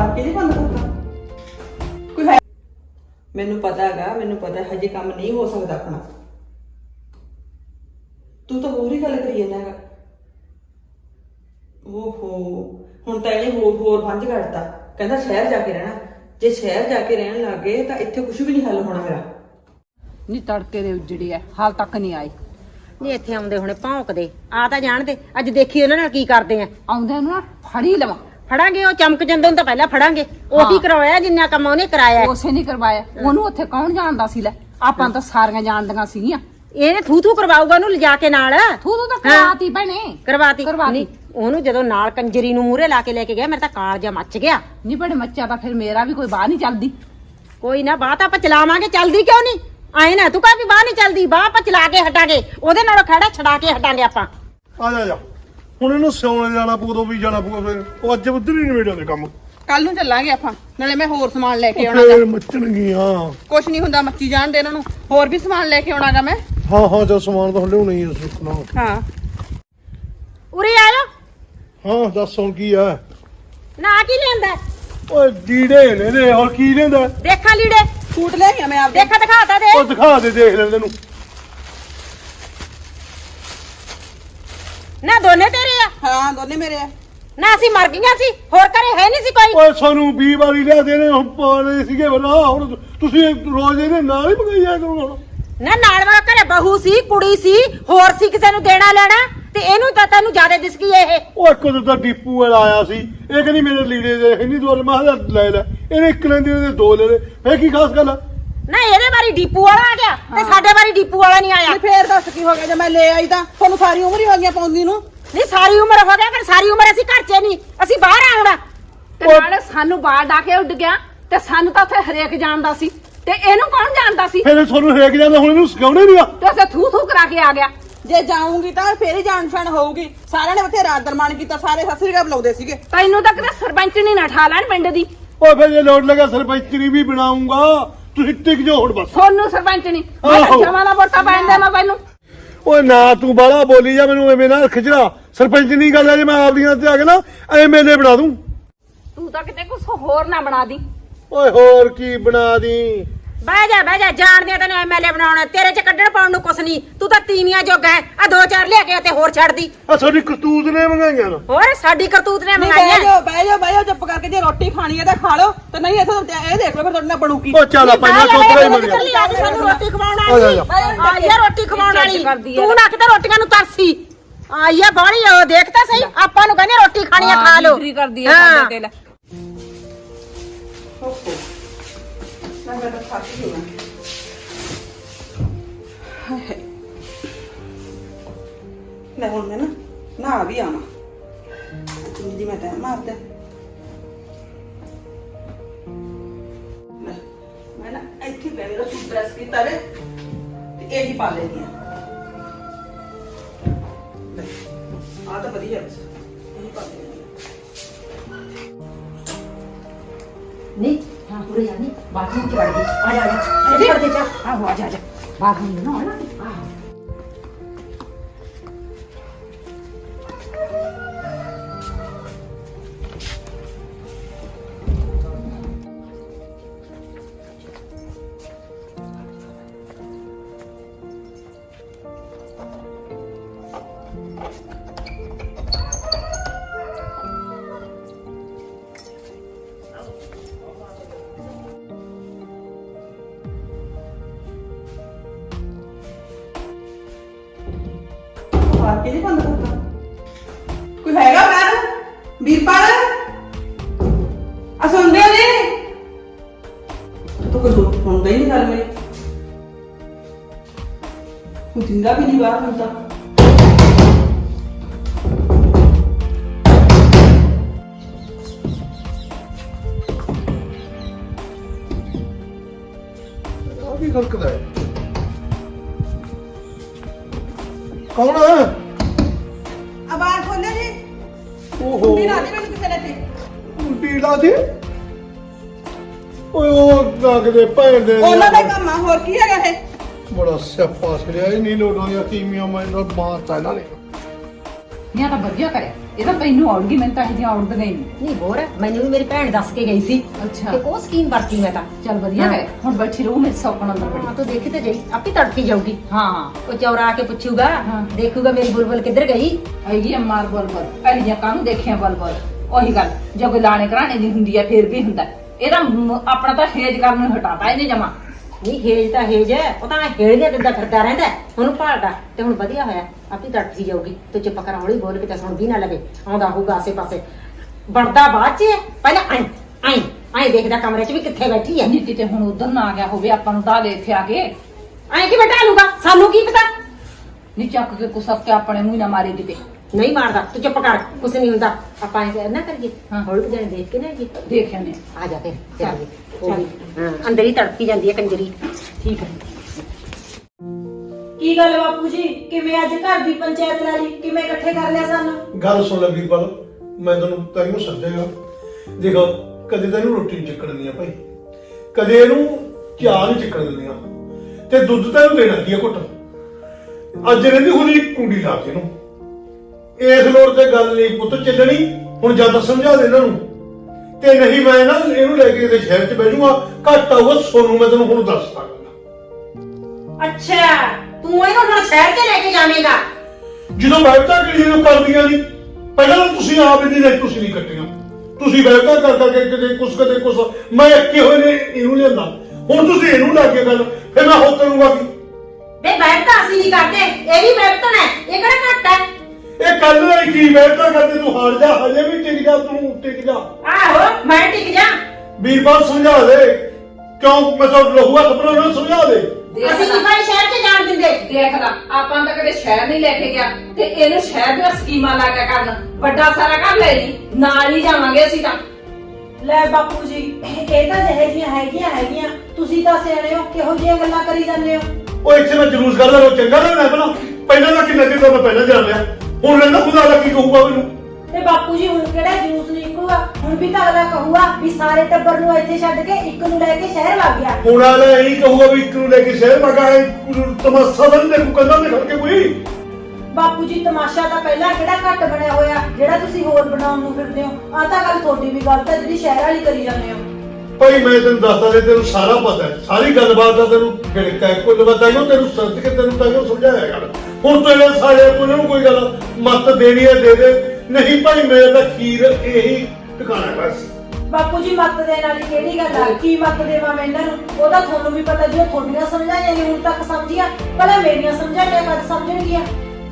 ਵਾਕਈ ਨਹੀਂ ਬੰਦ ਕਰਦਾ ਕੋਈ ਹੈ। ਮੈਨੂੰ ਪਤਾ ਹੈਗਾ, ਮੈਨੂੰ ਪਤਾ ਹਜੇ ਕੰਮ ਨਹੀਂ ਹੋ ਸਕਦਾ ਆਪਣਾ। ਤੂੰ ਤਾਂ ਹੋਰ ਹੀ ਗੱਲ ਕਰੀ ਜਾਂਦਾ ਹੈਗਾ। ਓਹੋ ਹੁਣ ਤਾਂ ਇਹਨੇ ਹੋਰ ਬੰਝ ਕੱਢਤਾ। ਕਹਿੰਦਾ ਸ਼ਹਿਰ ਜਾ ਕੇ ਰਹਿਣਾ। ਜੇ ਸ਼ਹਿਰ ਜਾ ਕੇ ਰਹਿਣ ਲੱਗ ਗਏ ਤਾਂ ਇੱਥੇ ਕੁਝ ਵੀ ਨਹੀਂ ਹੱਲ ਹੋਣਾ ਮੇਰਾ। ਨਹੀਂ ਤੜਕੇ ਦੇ ਉਜੜੀ ਐ, ਹਾਲ ਤੱਕ ਨਹੀਂ ਆਈ। ਨਹੀਂ ਇੱਥੇ ਆਉਂਦੇ ਹੁਣੇ ਭੌਂਕਦੇ ਆ ਤਾਂ ਜਾਣਦੇ। ਅੱਜ ਦੇਖੀ ਉਹਨਾਂ ਨਾਲ ਕੀ ਕਰਦੇ ਆ। ਆਉਂਦੇ ਨੂੰ ਨਾ ਫੜੀ ਲਵਾਂ। ਫੜਾਂਗੇ, ਉਹ ਚਮਕ ਜਾਂਦੇ ਨੂੰ ਤਾਂ ਪਹਿਲਾਂ ਫੜਾਂਗੇ। ਉਹੀ ਕਰਵਾਇਆ ਜਿੰਨਾ ਕੰਮ ਉਹਨੇ ਕਰਾਇਆ। ਉਸੇ ਨਹੀਂ ਕਰਵਾਇਆ, ਉਹਨੂੰ ਉੱਥੇ ਕੌਣ ਜਾਣਦਾ ਸੀ? ਲੈ ਆਪਾਂ ਤਾਂ ਸਾਰੀਆਂ ਜਾਣਦੀਆਂ ਸੀਗੀਆਂ। ਇਹਨੇ ਥੂ ਕਰਵਾਊਗਾ ਉਹਨੂੰ ਲਿਜਾ ਕੇ ਨਾਲ। ਤੂੰ ਤਾਂ ਕਰਵਾਤੀ ਭੈਣੇ, ਕਰਵਾਤੀ। ਨਹੀਂ ਉਹਨੂੰ ਜਦੋਂ ਨਾਲ ਕੰਜਰੀ ਨੂੰ ਮੂਹਰੇ ਲਾ ਕੇ ਲੈ ਕੇ ਗਿਆ, ਮੇਰਾ ਤਾਂ ਕਾਲਜਾ ਮੱਚ ਗਿਆ। ਨਹੀਂ ਭੈਣੇ ਮੱਚਾ ਤਾਂ ਫਿਰ ਮੇਰਾ ਵੀ ਕੋਈ ਬਾਹ ਨਹੀਂ ਚੱਲਦੀ। ਕੋਈ ਨਾ, ਬਾਹ ਤਾਂ ਆਪਾਂ ਚਲਾਵਾਂਗੇ। ਚੱਲਦੀ ਕਿਉਂ ਨਹੀਂ? ਆਏ ਨਾ ਤੂੰ ਕਹ ਵੀ ਬਾਹ ਨਹੀਂ ਚੱਲਦੀ। ਬਾਹ ਆਪਾਂ ਚਲਾ ਕੇ ਹਟਾਂਗੇ, ਉਹਦੇ ਨਾਲ ਖੜਾ ਛਡਾ ਕੇ ਹਟਾਂਗੇ ਆਪਾਂ। ਆ ਜਾ ਹੁਣ ਇਹਨੂੰ ਸਿਉਣੇ ਜਾਣਾ ਪਊ, ਉਦੋਂ ਵੀ ਜਾਣਾ ਪਊਗਾ। ਫਿਰ ਉਹ ਅੱਜ ਉੱਧਰ ਹੀ ਨਿਬੇੜਿਆ ਦੇ ਕੰਮ। ਕੱਲ ਨੂੰ ਚੱਲਾਂਗੇ ਆਪਾਂ, ਨਾਲੇ ਮੈਂ ਹੋਰ ਸਮਾਨ ਲੈ ਕੇ ਆਉਣਾ। ਫੇਰ ਮੱਚਣਗੀਆਂ। ਕੁਛ ਨਹੀਂ ਹੁੰਦਾ, ਮੱਚੀ ਜਾਣ ਦੇ ਇਹਨਾਂ ਨੂੰ। ਹੋਰ ਵੀ ਸਮਾਨ ਲੈ ਕੇ ਆਉਣਾਗਾ ਮੈਂ। ਹਾਂ ਜਦ ਸਮਾਨ ਤਾਂ ਲਿਆਉਣਾ ਹੀ ਹੈ ਸੁਣਾ। ਹਾਂ ਉਰੇ ਆਇਓ। ਹਾਂ ਦੱਸ ਹੁਣ ਕੀ ਆ? ਨਾ ਕੀ ਲੈਂਦਾ? ਓਏ ਲੀੜੇ ਨੇ ਹੋਰ ਕੀ ਲੈਂਦਾ? ਦੇਖਾਂ ਲੀੜੇ ਸੂਟ ਲੈ ਗਿਆ ਮੈਂ ਆਪਦੇ। ਦੇਖਾ ਦਿਖਾਤਾ ਦੇ। ਉਹ ਦਿਖਾ ਦੇ, ਦੇਖ ਲੈ ਤੈਨੂੰ। ਨਾ ਦੋਨੇ ਤੇਰੇ ਆ? ਹਾਂ ਦੋਨੇ ਮੇਰੇ ਆ। ਨਾ ਅਸੀਂ ਮਰ ਗਈਆਂ ਸੀ, ਹੋਰ ਘਰੇ ਹੈ ਨਹੀਂ ਸੀ ਕੋਈ। ਓਏ ਸਾਨੂੰ 20 ਵਾਰੀ ਲਿਆ ਦੇਣੇ ਹੁਣ ਪਾਣੇ ਸੀਗੇ ਬਣਾ। ਹੁਣ ਤੁਸੀਂ ਰੋਜ਼ ਇਹਦੇ ਨਾਲ ਹੀ ਮੰਗਾਈ ਜਾ ਕਰੋ। ਨਾ ਨਾਲ ਵਾਲਾ ਘਰੇ ਬਹੂ ਸੀ, ਕੁੜੀ ਸੀ, ਹੋਰ ਸੀ ਕਿਸੇ ਨੂੰ ਦੇਣਾ ਲੈਣਾ। ਤੇ ਇਹਨੂੰ ਤਾਂ ਤੈਨੂੰ ਜ਼ਿਆਦਾ ਦਿਸ ਗਈ ਇਹ। ਉਹ ਇੱਕ ਤਾਂ ਡੀਪੂ ਵਾਲਾ ਆਇਆ ਸੀ, ਇਹ ਕਹਿੰਦੀ ਮੇਰੇ ਲੀੜੇ ਦੇ ਇੰਨੀ ਦਵਾਰ ਮੈਂ ਕਿਹਾ ਲੈ ਲੈ। ਇਹਨੇ ਇੱਕ ਲੈਂਦੀ ਉਹਦੇ ਦੋ ਲੈ ਲੈ। ਫੇਰ ਕੀ ਖਾਸ ਗੱਲ ਆ? ਨਾ ਇਹਦੇ ਵਾਰੀ ਡੀਪੂ ਵਾਲਾ ਆ ਗਿਆ ਤੇ ਸਾਡੇ ਵਾਰੀ ਡੀਪੂ ਵਾਲਾ ਨਹੀਂ ਆਇਆ। ਫੇਰ ਦੱਸ ਕੀ ਹੋ ਗਿਆ ਜੇ ਮੈਂ ਲੈ ਆਈ ਤਾਂ? ਤੁਹਾਨੂੰ ਸਾਰੀ ਉਮਰ ਹੀ ਹੋ ਗਿਆ ਪਾਉਂਦੀ ਨੂੰ। ਨਹੀਂ ਸਾਰੀ ਉਮਰ ਹੋ ਗਿਆ, ਪਰ ਸਾਰੀ ਉਮਰ ਅਸੀਂ ਘਰ 'ਚ ਨਹੀਂ, ਅਸੀਂ ਬਾਹਰ ਆਉਣਾ। ਤੇ ਨਾਲੇ ਸਾਨੂੰ ਬਾਹਰ ਡਾ ਕੇ ਉੱਡ ਗਿਆ ਤੇ ਸਾਨੂੰ ਤਾਂ ਉੱਥੇ ਹਰੇਕ ਜਾਣਦਾ ਸੀ ਤੇ ਇਹਨੂੰ ਕੌਣ ਜਾਣਦਾ ਸੀ? ਫਿਰ ਤੁਹਾਨੂੰ ਹਰੇਕ ਜਾਂਦਾ, ਹੁਣ ਇਹਨੂੰ ਸਿਖਾਉਣੇ ਨਹੀਂ ਆ। ਤੇ ਉਸੇ ਥੂ ਕਰਾ ਕੇ ਆ ਗਿਆ। ਜੇ ਜਾਊਂਗੀ ਤਾਂ ਫੇਰ ਹੀ ਜਾਣ ਪਛਾਣ ਹੋਊਗੀ। ਸਾਰਿਆਂ ਨੇ ਉੱਥੇ ਰਾਤ ਦਰਮਾਨ ਕੀਤਾ, ਸਾਰੇ ਸਤਿ ਸ੍ਰੀ ਅਕਾਲ ਬੁਲਾਉਂਦੇ ਸੀਗੇ। ਤੈਨੂੰ ਤਾਂ ਕਿਤੇ ਸਰਪੰਚ ਨਹੀਂ ਨਾ ਠਾ ਲੈਣ ਪਿੰਡ ਦੀ। ਓਏ ਫਿਰ ਜੇ ਲੋੜ ਲੱਗਾ ਸਰਪੰਚਰੀ ਵੀ ਬਣਾਉਂਗਾ। ਤੁਸੀਂ ਟਿਕ ਜਾਓ ਹੁਣ ਬਸ। ਸੋਨੂੰ ਸਰਪੰਚ ਨਹੀਂ, ਮੈਂ ਆਹੋ। ਜਮਾ ਨਾ ਵੋਟਾਂ ਪੈਣ ਦੇਣਾ ਤੈਨੂੰ। ਓਏ ਨਾ ਤੂੰ ਬਾਹਲਾ ਬੋਲੀ ਜਾ, ਮੈਨੂੰ ਐਵੇਂ ਨਾ ਖਿਚੜਾ। ਸਰਪੰਚ ਨਹੀਂ ਗੱਲ ਹੈ, ਜੇ ਮੈਂ ਆਪਦੀਆਂ ਤੇ ਆ ਕੇ ਨਾ ਐਮਐਲਏ ਬਣਾ ਦੂੰ। ਤੂੰ ਤਾਂ ਕਿਤੇ ਕੁਛ ਹੋਰ ਨਾ ਬਣਾ ਦੀ। ਓਏ ਹੋਰ ਕੀ ਬਣਾ ਦੀ? ਬਹਿ ਜਾ ਜਾਣਦੇ ਆ ਤੈਨੂੰ ਐਮਐਲਏ ਬਣਾਉਣਾ। ਤੇਰੇ 'ਚ ਕੱਢਣ ਪਾਉਣ ਨੂੰ ਕੁਛ ਨਹੀਂ, ਤੂੰ ਤਾਂ ਤੀਵੀਆਂ ਜੋਗਾ ਹੈ। ਆ ਦੋ ਚਾਰ ਲਿਆ ਕੇ ਤੇ ਹੋਰ ਛੱਡਦੀ। ਆ ਤੁਹਾਡੀ ਕਰਤੂਤ ਨੇ ਮੰਗਾਈਆਂ ਨਾ। ਹੋਰ ਸਾਡੀ ਕਰਤੂਤ ਨੇ ਬਹਿ ਮੰਗਾਈਆਂ। ਜਾਓ ਚੁੱਪ ਕਰਕੇ। ਜੇ ਰੋਟੀ ਖਾਣੀ ਹੈ ਤਾਂ ਖਾ ਲਓ, ਤੇ ਨਹੀਂ ਇੱਥੇ ਇਹ ਦੇਖ ਲਓ ਫਿਰ ਤੁਹਾਡੇ ਨਾਲ ਬਣੂਗੀ। ਓ ਚੱਲ ਆਪਾਂ ਇਹਨਾਂ ਚੋਪੜਾ ਹੀ ਮਰ ਗਿਆ। ਸਾਨੂੰ ਰੋਟੀ ਖਵਾਉਣ ਆ ਵਾਲੀ ਜਾ। ਆਈ ਆ, ਰੋਟੀ ਖਵਾਉਣ ਵਾਲੀ। ਤੂੰ ਨਾ ਕਿਤੇ ਰੋਟੀਆਂ ਨੂੰ ਤਰਸੀ ਆਈ ਆ ਬਾਹਲੀ। ਉਹ ਦੇਖ ਤਾਂ ਸਹੀ, ਆਪਾਂ ਨੂੰ ਕਹਿੰਦੇ ਰੋਟੀ ਖਾਣੀ ਆ, ਖਾ ਲਓ। ਬਿਕਰੀ ਕਰਦੀ ਹੈ ਸਾਡੇ ਤੇ ਲੈ। ਮੈਂ ਤਾਂ ਥੱਕ ਗਈ ਹਾਂ। ਲੈ ਹੁਣ ਮੈਂ ਨਾ ਵੀ ਆਵਾਂ। ਜਿੰਦੀ ਮੈਂ ਤਾਂ ਮਾਰਦਾ। ਮੈਂ ਨਾ ਇੱਥੇ ਬੈਠ ਕੇ ਸੂਟ ਪ੍ਰੈਸ ਕੀਤਾ ਰੇ ਤੇ ਇਹ ਹੀ ਪਾ ਲੈਣੀ ਆ। ਆ ਤਾਂ ਵਧੀਆ ਹੈ, ਇਹ ਪਾ ਲੈਣੀ ਨਹੀਂ ਹਾਂ ਪੂਰੇ ਜਾਨੀ ਬਾਥਰੂਮ 'ਚ ਵੜ ਗਈ। ਆ ਜਾ ਇਹ ਕਰਦੇ ਚਾ। ਆਹੋ ਆ ਜਾ ਬਾਥਰੂਮ ਨੂੰ ਨਾ ਆਹ ਵਾਕਈ ਨਹੀਂ ਬੰਦ ਕਰਦਾ ਕੋਈ ਹੈਗਾ? ਮੈਂ ਵੀਰਪਾਲ ਆ ਸੁਣਦੇ ਹੋ ਜੀ? ਤੂੰ ਕੁਝ ਸੁਣਦਾ ਹੀ ਨਹੀਂ ਗੱਲ ਮੇਰੀ। ਤੂੰ ਜਿੰਦਾ ਵੀ ਨਹੀਂ ਬਾਹਰ ਹੁੰਦਾ। ਆ ਕੀ ਖੜਕਦਾ ਹੈ? ਕੌਣ ਹੈ? ਆਵਾਜ਼ ਖੋਲੋ ਜੀ। ਓਹੋ ਵੀ ਨਾ ਦੇ ਮੈਨੂੰ ਕਿਸੇ ਨੇ ਤੇ। ਉਲਟੀ ਲਾ ਦੇ। ਓਏ ਉਹ ਲੱਗਦੇ ਭੈਣ ਦੇ। ਉਹਨਾਂ ਦਾ ਕੰਮ ਆ, ਹੋਰ ਕੀ ਹੈਗਾ ਇਹ? ਬੜਾ ਸਿਆਪਾ ਛੜਿਆ। ਇਹ ਨਹੀਂ ਲੋੜਾਂ ਦੀਆਂ ਕੀਮੀਆਂ ਮੈਂ ਮਾਰਤਾ ਇਹਨਾਂ ਨੇ। ਨਹੀਂ ਆ ਤਾਂ ਵਧੀਆ ਕਰਿਆ, ਇਹ ਤਾਂ ਤੈਨੂੰ ਆਉਣਗੀ, ਮੈਨੂੰ ਤਾਂ ਇਹਦੀਆਂ ਆਉਣ ਨਹੀਂ। ਨਹੀਂ ਹੋਰ ਮੈਨੂੰ ਵੀ ਮੇਰੀ ਭੈਣ ਦੱਸ ਕੇ ਗਈ ਸੀ ਅੱਛਾ ਤੇ ਉਹ ਸਕੀਮ ਵਰਤੀ ਮੈਂ ਤਾਂ। ਚੱਲ ਵਧੀਆ ਕਰਿਆ, ਹੁਣ ਬੈਠੀ ਰਹੂ ਮੇਰੇ ਸੌਕਣ ਅੰਦਰ ਹਾਂ ਬੜੀ। ਤੂੰ ਦੇਖੀ ਤੇ ਜਾਈ, ਆਪੇ ਤੜਕੀ ਜਾਊਗੀ। ਹਾਂ ਉਹ ਚੌਰਾ ਆ ਕੇ ਪੁੱਛੂਗਾ, ਹਾਂ। ਦੇਖੂਗਾ ਮੇਰੀ ਬੁਲਬੁਲ ਕਿੱਧਰ ਗਈ। ਆਈ ਮਾਰ ਬਲ ਅਲੀਆਂ ਕਾਹਨੂੰ ਦੇਖਿਆ ਬਲ ਉਹੀ ਗੱਲ, ਜੇ ਕੋਈ ਲਾਣੇ ਘਰਾਣੇ ਦੀ ਹੁੰਦੀ ਆ ਫੇਰ ਵੀ ਹੁੰਦਾ। ਇਹਦਾ ਆਪਣਾ ਤਾਂ ਹੇਜ ਕਰਨ ਨੂੰ ਹਟਾਤਾ ਇਹਨੇ ਜਮਾ। ਨਹੀਂ ਹੇਜ ਤਾਂ ਹੇਜ ਹੈ, ਉਹ ਤਾਂ ਹੇੜੀਆਂ ਦਿੰਦਾ ਫਿਰਦਾ ਰਹਿੰਦਾ ਉਹਨੂੰ ਭਾਲਦਾ। ਤੇ ਹੁਣ ਵਧੀਆ ਹੋਇਆ ਆਪੇ ਤੜਕੀ ਜਾਊਗੀ। ਤੂੰ ਚੁੱਪ ਕਰ, ਹੌਲੀ ਬੋਲ ਕੇ ਤਾਂ ਸੁਣ ਵੀ ਨਾ ਲਵੇ। ਆਉਂਦਾ ਹੋਊਗਾ ਆਸੇ ਪਾਸੇ, ਵੜਦਾ ਬਾਅਦ ਚ ਪਹਿਲਾਂ ਐਂ ਦੇਖਦਾ ਕਮਰੇ ਚ ਵੀ ਕਿੱਥੇ ਬੈਠੀ ਹੈ। ਨਹੀਂ ਕਿਤੇ ਹੁਣ ਉਧਰ ਨਾ ਆ ਗਿਆ ਹੋਵੇ ਆਪਾਂ ਨੂੰ ਤਾਂ ਦੇ ਇੱਥੇ ਆ ਕੇ। ਐਂ ਕਿਵੇਂ ਢਾਲੂਗਾ, ਸਾਨੂੰ ਕੀ ਪਤਾ। ਨਹੀਂ ਚੱਕ ਕੇ ਕੁਸਕ ਕੇ ਆਪਣੇ ਮੂੰਹ ਨਾ ਮਾਰੇ ਕਿਤੇ। ਨਹੀਂ ਮਾਰਦਾ, ਤੂੰ ਚੁੱਪ ਕਰ, ਕੁਛ ਨਹੀਂ ਹੁੰਦਾ। ਆਪਾਂ ਐਂ ਨਾ ਕਰੀਏ, ਹਾਂ। ਹੌਲੀ ਜਾਣੇ ਦੇਖ ਕੇ ਨਾ ਜੀ ਦੇਖਿਆ ਨੇ। ਆ ਜਾ ਫਿਰ ਚੱਲੀਏ। ਚੱਲ। ਹਾਂ ਅੰਦਰ ਹੀ ਤੜਕੀ ਜਾਂਦੀ ਹੈ ਕੰਜਰੀ। ਠੀਕ ਹੈ। ਕੀ ਗੱਲ ਬਾਪੂ ਜੀ, ਕਿਵੇਂ ਅੱਜ ਘਰ ਦੀ ਪੰਚਾਇਤ ਲਾ ਲਈ? ਕਿਵੇਂ ਇਕੱਠੇ ਕਰ ਲਿਆ ਸਾਨੂੰ? ਗੱਲ ਸੁਣ ਲੈ ਵੀਰਪਾਲ, ਮੈਂ ਤੈਨੂੰ ਤੈਨੂੰ ਸਮਝਾਂਗਾ। ਦੇਖੋ ਕਦੇ ਤੈਨੂੰ ਰੋਟੀ ਨਹੀਂ ਚੱਕਣ ਦਿੰਦੀਆਂ ਭਾਈ, ਕਦੇ ਇਹਨੂੰ ਚਾਹ ਨਹੀਂ ਚੱਕਣ ਦਿੰਦੀਆਂ, ਤੇ ਦੁੱਧ ਤੈਨੂੰ ਦੇਣਾ ਕੀ ਆ ਘੁੱਟ। ਅੱਜ ਰਹਿੰਦੀ ਹੁਣੀ ਕੁੰਡੀ ਲਾ ਕੇ ਇਹਨੂੰ। ਇਸ ਲੋੜ ਤੇ ਗੱਲ ਨਹੀਂ ਪੁੱਤ ਚੱਲਣੀ। ਹੁਣ ਜਦ ਸਮਝਾ ਦੇ ਇਹਨਾਂ ਨੂੰ, ਤੇ ਨਹੀਂ ਮੈਂ ਨਾ ਇਹਨੂੰ ਲੈ ਕੇ ਇਹਦੇ ਸ਼ਹਿਰ 'ਚ ਬਹਿ ਜਾਊਗਾ। ਘੱਟ ਆਊਗਾ ਸੋਨੂੰ, ਮੈਂ ਤੈਨੂੰ ਹੁਣ ਦੱਸਦਾ। ਅੱਛਾ ਤੂੰ ਇਹਨੂੰ ਹੁਣ ਸ਼ਹਿਰ 'ਚ ਲੈ ਕੇ ਜਾਵੇਂਗਾ? ਜਦੋਂ ਬੈਠਾ ਕਿਹੜੀ ਨੂੰ ਕਰਦੀਆਂ ਨਹੀਂ, ਪਹਿਲਾਂ ਤਾਂ ਤੁਸੀਂ ਆਪ ਇਹਦੀ ਨਹੀਂ, ਤੁਸੀਂ ਨਹੀਂ ਕੱਟੀਆਂ। ਤੁਸੀਂ ਬੈਠਾ ਕਰ ਕਰਕੇ ਕਦੇ ਕੁਛ ਮੈਂ ਅੱਕੇ ਹੋਏ ਨੇ ਇਹਨੂੰ ਲਿਆਂਦਾ। ਹੁਣ ਤੁਸੀਂ ਇਹਨੂੰ ਲੈ ਕੇ ਗੱਲ, ਫਿਰ ਮੈਂ ਹੋ ਕਰੂੰਗਾ ਕੀ? ਵੇ ਬੈਠ ਤਾਂ ਅਸੀਂ ਨਹੀਂ ਕਰਦੇ, ਇਹ ਵੀ ਬੈਠਣ ਹੈ, ਇਹ ਕਿਹੜਾ ਘੱਟ ਹੈ। ਇਹ ਕੱਲ ਲਈ ਕੀ ਬੈਠਾ ਕਰਦੇ, ਤੂੰ ਹਾਰ ਜਾ, ਹਜੇ ਵੀ ਟਿਕ ਜਾ, ਤੂੰ ਟਿਕ ਜਾ। ਆਹੋ ਮੈਂ ਟਿਕ ਜਾ। ਵੀਰਪਾਲ ਸਮਝਾ ਦੇ, ਕਿਉਂ ਮੈਂ ਤਾਂ ਲਹੂਆ ਖਬਰਾਂ ਨੂੰ ਸਮਝਾ ਦੇ। ਅਸੀਂ ਨਹੀਂ ਭਾਈ ਸ਼ਹਿਰ 'ਚ ਜਾਣ ਦਿੰਦੇ। ਦੇਖ ਲਾ, ਆਪਾਂ ਤਾਂ ਕਦੇ ਸ਼ਹਿਰ ਨਹੀਂ ਲੈ ਕੇ ਗਿਆ, ਤੇ ਇਹਨੂੰ ਸ਼ਹਿਰ ਦੀਆਂ ਸਕੀਮਾਂ ਲਾ ਕੇ ਕਰਨ। ਵੱਡਾ ਸਾਰਾ ਘਰ ਲੈ ਲਈ, ਨਾਲ ਹੀ ਜਾਵਾਂਗੇ ਅਸੀਂ ਤਾਂ। ਲੈ ਬਾਪੂ ਜੀ, ਇਹ ਤਾਂ ਜਿਹੇ ਜੀਆਂ ਹੈਗੀਆਂ, ਤੁਸੀਂ ਤਾਂ ਸਿਆਣੇ ਹੋ, ਕਿਹੋ ਜਿਹੀਆਂ ਗੱਲਾਂ ਕਰੀ ਜਾਂਦੇ ਹੋ? ਉਹ ਇੱਥੇ ਮੈਂ ਜਲੂਸ ਕਰਦਾ, ਉਹ ਚੰਗਾ ਨਾ ਪਹਿਲਾਂ ਦਾ ਕਿੰਨਾ ਚਿਰ ਤਾਂ ਮੈਂ ਪਹਿਲਾਂ ਜਾਣ ਲਿਆ। ਹੁਣ ਰਹਿੰਦਾ ਖੁਦਾ ਦਾ ਕੀ ਕਹੂਗਾ ਮੈਨੂੰ। ਤੇ ਬਾਪੂ ਜੀ ਹੁਣ ਕਿਹੜਾ ਜੂਸ ਨਿਕਲੂਗਾ? ਹੁਣ ਵੀ ਤਾਂ ਅਗਲਾ ਕਹੂਗਾ ਵੀ ਸਾਰੇ ਟੱਬਰ ਨੂੰ ਇੱਥੇ ਛੱਡ ਕੇ ਇੱਕ ਨੂੰ ਲੈ ਕੇ ਸ਼ਹਿਰ ਵਗ ਗਿਆ। ਹੁਣ ਆਲਾ ਇਹੀ ਕਹੂਗਾ ਵੀ ਇੱਕ ਨੂੰ ਲੈ ਕੇ ਸ਼ਹਿਰ ਮਗਾ ਤਮਾਸ਼ਾ ਤਾਂ ਨਹੀਂ ਦੇਖੂ ਕੰਨਾਂ ਤੇ ਖੜ ਕੇ ਕੋਈ। ਬਾਪੂ ਜੀ ਤਮਾਸ਼ਾ ਤਾਂ ਪਹਿਲਾਂ ਕਿਹੜਾ ਘੱਟ ਬਣਿਆ ਹੋਇਆ, ਜਿਹੜਾ ਤੁਸੀਂ ਹੋਰ ਬਣਾਉਣ ਨੂੰ ਫਿਰਦੇ ਹੋ। ਆਹ ਤਾਂ ਗੱਲ ਤੁਹਾਡੀ ਵੀ ਗਲਤ ਹੈ ਜਿਹੜੀ ਸ਼ਹਿਰ ਵਾਲੀ ਕਰੀ ਜਾਂਦੇ ਹੋ। ਭਾਈ ਮੈਂ ਤੈਨੂੰ ਦੱਸਦਾ ਤੇ ਤੈਨੂੰ ਸਾਰਾ ਪਤਾ ਹੈ, ਸਾਰੀ ਗੱਲਬਾਤ ਦਾ ਤੈਨੂੰ ਗਿਣਕਾ ਹੈ। ਕੋਈ ਪਤਾ ਨਹੀਂ ਤੈਨੂੰ ਸੱਚ ਕੇ ਤੈਨੂੰ ਤਾਂ ਸਮਝਾਇਆ ਗੱਲ। ਹੁਣ ਤੂੰ ਇਹਨਾਂ ਸਾਰੇ ਕੋਲ ਨੂੰ ਕੋਈ ਗੱਲ ਮੱਤ ਦੇਣੀ ਹੈ ਦੇ ਦੇ, ਨਹੀਂ ਭਾਈ ਮੇਰੇ ਤਾਂ ਖੀਰ ਇਹੀ ਟਿਕਾਣਾ ਬਸ। ਬਾਪੂ ਜੀ ਮੱਤ ਦੇਣ ਵਾਲੀ ਕਿਹੜੀ ਗੱਲ ਆ? ਕੀ ਮੱਤ ਦੇਵਾਂ ਮੈਂ ਇਹਨਾਂ ਨੂੰ? ਉਹਦਾ ਤੁਹਾਨੂੰ ਵੀ ਪਤਾ, ਜੋ ਤੁਹਾਡੀਆਂ ਸਮਝਾਈਆਂ ਨੇ ਹੁਣ ਤੱਕ ਸਮਝੀਆਂ, ਭਲਾ ਮੇਰੀਆਂ ਸਮਝਾਈਆਂ ਕਦ ਸਮਝਣਗੀਆਂ?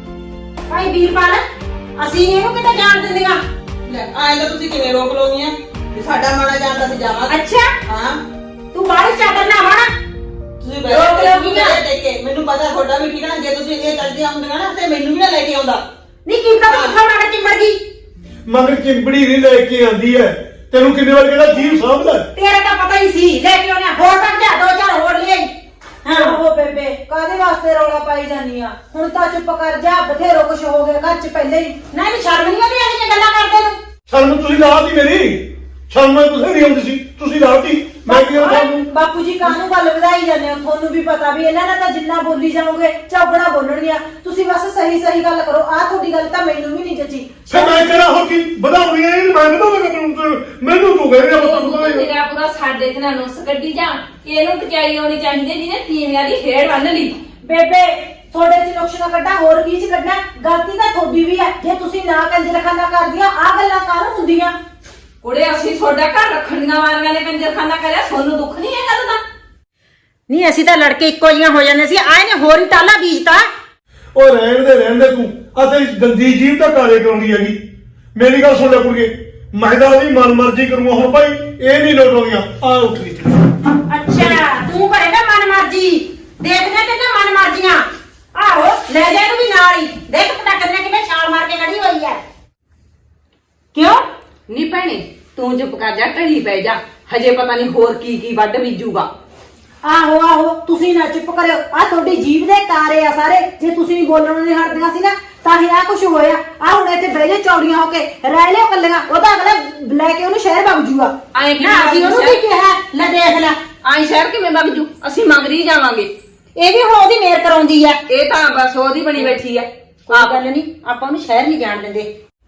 ਭਾਈ ਵੀਰਪਾਲ, ਅਸੀਂ ਇਹਨੂੰ ਕਿਤੇ ਜਾਣ ਦਿੰਦੀਆਂ। ਲੈ ਆਏ ਤਾਂ ਤੁਸੀਂ ਕਿਵੇਂ ਰੋਕ ਲੋਗੀਆਂ? ਵੀ ਸਾਡਾ ਮਾੜਾ ਜਾਂਦਾ ਸੀ ਜਾਵਾਂਗੇ। ਅੱਛਾ ਹਾਂ ਤੂੰ ਬਾਹਰ ਚਾਦਰ ਨਾ ਵੜ। ਤੁਸੀਂ ਰੋਕ ਲੋਗੀਆਂ। ਦੇਖ ਕੇ ਮੈਨੂੰ ਪਤਾ ਤੁਹਾਡਾ ਵੀ ਠੀਕ ਨਾ, ਜੇ ਤੁਸੀਂ ਇਹ ਕਰਦੇ ਆਉਂਦੀਆਂ ਨਾ ਤੇ ਮੈਨੂੰ ਵੀ ਨਾ ਲੈ ਕੇ ਆਉਂਦਾ। ਨਹੀਂ ਕੀਤਾ ਤੂੰ ਕਿੱਥੋਂ ਮਗਰ ਚਿੰਬੜ ਗਈ? ਮਗਰ ਚਿੰਬੜੀ ਨਹੀਂ ਲੈ ਕੇ ਆਂਦੀ ਹੈ। ਤੈਨੂੰ ਕਿੰਨੇ ਵਾਰ ਕਿਹੜਾ ਜੀਵ ਸਾਂਭਦਾ? ਤੇਰਾ ਤਾਂ ਪਤਾ ਹੀ ਸੀ, ਲੈ ਕੇ ਆਉਣਾ। ਹੋਰ ਤੱਕ ਜਾ, 2-4 ਹੋਰ ਲੈ ਆਈ। ਹਾਂ ਆਹੋ ਬੇਬੇ, ਕਾਹਦੇ ਵਾਸਤੇ ਰੌਲਾ ਪਾਈ ਜਾਂਦੀ ਆ? ਹੁਣ ਤਾਂ ਚੁੱਪ ਕਰ ਜਾ, ਬਥੇਰੋ ਕੁਛ ਹੋ ਗਿਆ ਘਰ 'ਚ ਪਹਿਲੇ ਹੀ। ਨਾ ਵੀ ਸ਼ਰਮ ਨਹੀਂ ਆਉਂਦੀ ਇਹ ਗੱਲਾਂ ਕਰਦੇ ਨੂੰ? ਸ਼ਰਮ ਤੁਸੀਂ ਲਾਤੀ ਮੇਰੀ, ਸ਼ਰਮ ਮੈਂ ਤੁਸੀਂ ਨਹੀਂ ਆਉਂਦੀ ਸੀ, ਤੁਸੀਂ ਲਾਤੀ। ਮੈਂ ਕੀ ਕਰਾਂ ਤੁਹਾਨੂੰ? ਬਾਪੂ ਜੀ ਕਾਹਨੂੰ ਗੱਲ ਵਧਾਈ ਜਾਂਦੇ ਹੋ? ਤੁਹਾਨੂੰ ਵੀ ਪਤਾ ਵੀ ਇਹਨਾਂ ਨਾਲ ਤਾਂ ਜਿੰਨਾ ਬੋਲੀ ਜਾਓਗੇ ਚੌਗਣਾ ਬੋਲਣਗੀਆਂ। ਤੁਸੀਂ ਬਸ ਸਹੀ ਗੱਲ ਕਰੋ। ਆਹ ਤੁਹਾਡੀ ਗੱਲ ਤਾਂ ਮੈਨੂੰ ਵੀ ਨਹੀਂ ਜੱਜੀ। ਫਿਰ ਮੈਂ ਕਿਹੜਾ ਹੋ ਕੀ ਵਧਾਉਣੀ ਹੈ? ਮੈਂ ਵਧਾਵਾਂਗਾ ਮੈਨੂੰ ਤੂੰ ਕਹਿ ਰਿਹਾ ਪਤਾ ਤੇਰਾ ਪੂਰਾ ਸਾਡੇ ਤੇ ਨਾ ਨੁਸ ਕੱਢੀ ਜਾ। ਇਹਨੂੰ ਟਚਾਈ ਆਉਣੀ ਚਾਹੀਦੀ ਜਿਹਨੇ ਤੀਵੀਆਂ ਦੀ ਖੇਡ ਬੰਨ ਲਈ। ਬੇਬੇ ਤੁਹਾਡੇ 'ਚ ਨੁਕਸ ਨਾ ਕੱਢਾ, ਹੋਰ ਕੀ 'ਚ ਕੱਢਣਾ? ਗਲਤੀ ਤਾਂ ਤੁਹਾਡੀ ਵੀ ਹੈ। ਜੇ ਤੁਸੀਂ ਨਾ ਕੰਜਰਖਾਨਾ ਕਰਦੀਆਂ, ਆਹ ਗੱਲਾਂ ਕਾਹਨੂੰ ਹੁੰਦੀਆਂ? ਕੁੜੇ ਅਸੀਂ ਤੁਹਾਡਾ ਘਰ ਰੱਖਣ ਦੀਆਂ ਵਾਰੀਆਂ ਨੇ ਕੰਜਰਖਾਨਾ ਕਰਿਆ, ਤੁਹਾਨੂੰ ਦੁੱਖ ਨਹੀਂ ਹੈ ਗੱਲ ਦਾ? ਨਹੀਂ ਅਸੀਂ ਤਾਂ ਲੜਕੇ ਇੱਕੋ ਜੀਆਂ ਹੋ ਜਾਂਦੇ ਸੀ, ਆਏ ਨੇ ਹੋਰ ਹੀ ਟਾਲਾ ਬੀਜਤਾ। ਉਹ ਰਹਿਣ ਦੇ ਤੂੰ। ਆ ਤੇਰੀ ਗੰਦੀ ਜੀਭ ਤਾਂ ਕਾਲੇ ਕਰਾਉਂਦੀ ਹੈਗੀ। ਮੇਰੀ ਗੱਲ ਸੁਣ ਲੈ ਕੁੜੀਏ, ਮੈਂ ਤਾਂ ਉਹਦੀ ਮਨਮਰਜ਼ੀ ਕਰੂੰਗਾ। ਹੁਣ ਭਾਈ ਇਹ ਨਹੀਂ ਲੋਟਾਉਂਦੀਆਂ। ਆ ਉੱਠ ਗਈ। ਅੱਛਾ ਤੂੰ ਕਰੇਗਾ ਮਨਮਰਜ਼ੀ, ਦੇਖਦੇ ਤੇ ਨਾ ਮਨਮਰਜ਼ੀਆਂ। ਆਹੋ ਲੈ ਜਾ ਇਹਨੂੰ ਵੀ ਨਾਲ ਹੀ। ਦੇਖ ਪਟਾਕਰ ਨੇ ਕਿਵੇਂ ਛਾਲ ਮਾਰ ਕੇ ਖੜੀ ਹੋਈ ਹੈ। ਕਿਉਂ? ਨੀ ਭੈਣੇ ਤੂੰ ਚੁੱਪ ਕਰ ਜਾ, ਢਲੀ ਪੈ ਜਾ। ਹਜੇ ਪਤਾ ਨਹੀਂ ਹੋਰ ਕੀ ਵੱਢ ਬੀਜੂਗਾ। ਆਹੋ ਤੁਸੀਂ ਨਾ ਚੁੱਪ ਕਰਿਓ। ਆ ਤੁਹਾਡੀ ਜੀਭ ਦੇ ਕਾਰੇ ਆ ਸਾਰੇ। ਜੇ ਤੁਸੀਂ ਬੋਲਣ ਨਹੀਂ ਹਟਦੀਆਂ ਸੀ ਨਾ ਤਾਂ ਹੀ ਆ ਕੁਝ ਹੋਇਆ। ਆ ਹੁਣ ਇੱਥੇ ਬਹਿ ਜਾ ਚੌੜੀਆਂ ਹੋ ਕੇ ਰਹਿ ਲਿਓ ਕੱਲੀਆਂ। ਉਹ ਤਾਂ ਅਗਲਾ ਲੈ ਕੇ ਉਹਨੂੰ ਸ਼ਹਿਰ ਵਗ ਜੂਗਾ। ਆਏ ਨਾ ਅਸੀਂ ਉਹਨੂੰ ਕੀ ਕਿਹਾ? ਲੈ ਦੇਖ ਲੈ, ਆਏ ਸ਼ਹਿਰ ਕਿਵੇਂ ਵਗ ਜੂ? ਅਸੀਂ ਮੰਗਰੀ ਜਾਵਾਂਗੇ। ਇਹ ਵੀ ਹੁਣ ਉਹਦੀ ਮੇਰ ਕਰਾਉਂਦੀ ਆ। ਇਹ ਤਾਂ ਬਸ ਉਹਦੀ ਬਣੀ ਬੈਠੀ ਆ। ਕੋਈ ਗੱਲ ਨਹੀਂ, ਆਪਾਂ ਉਹਨੂੰ ਸ਼ਹਿਰ ਨਹੀਂ ਜਾਣ ਦਿੰਦੇ।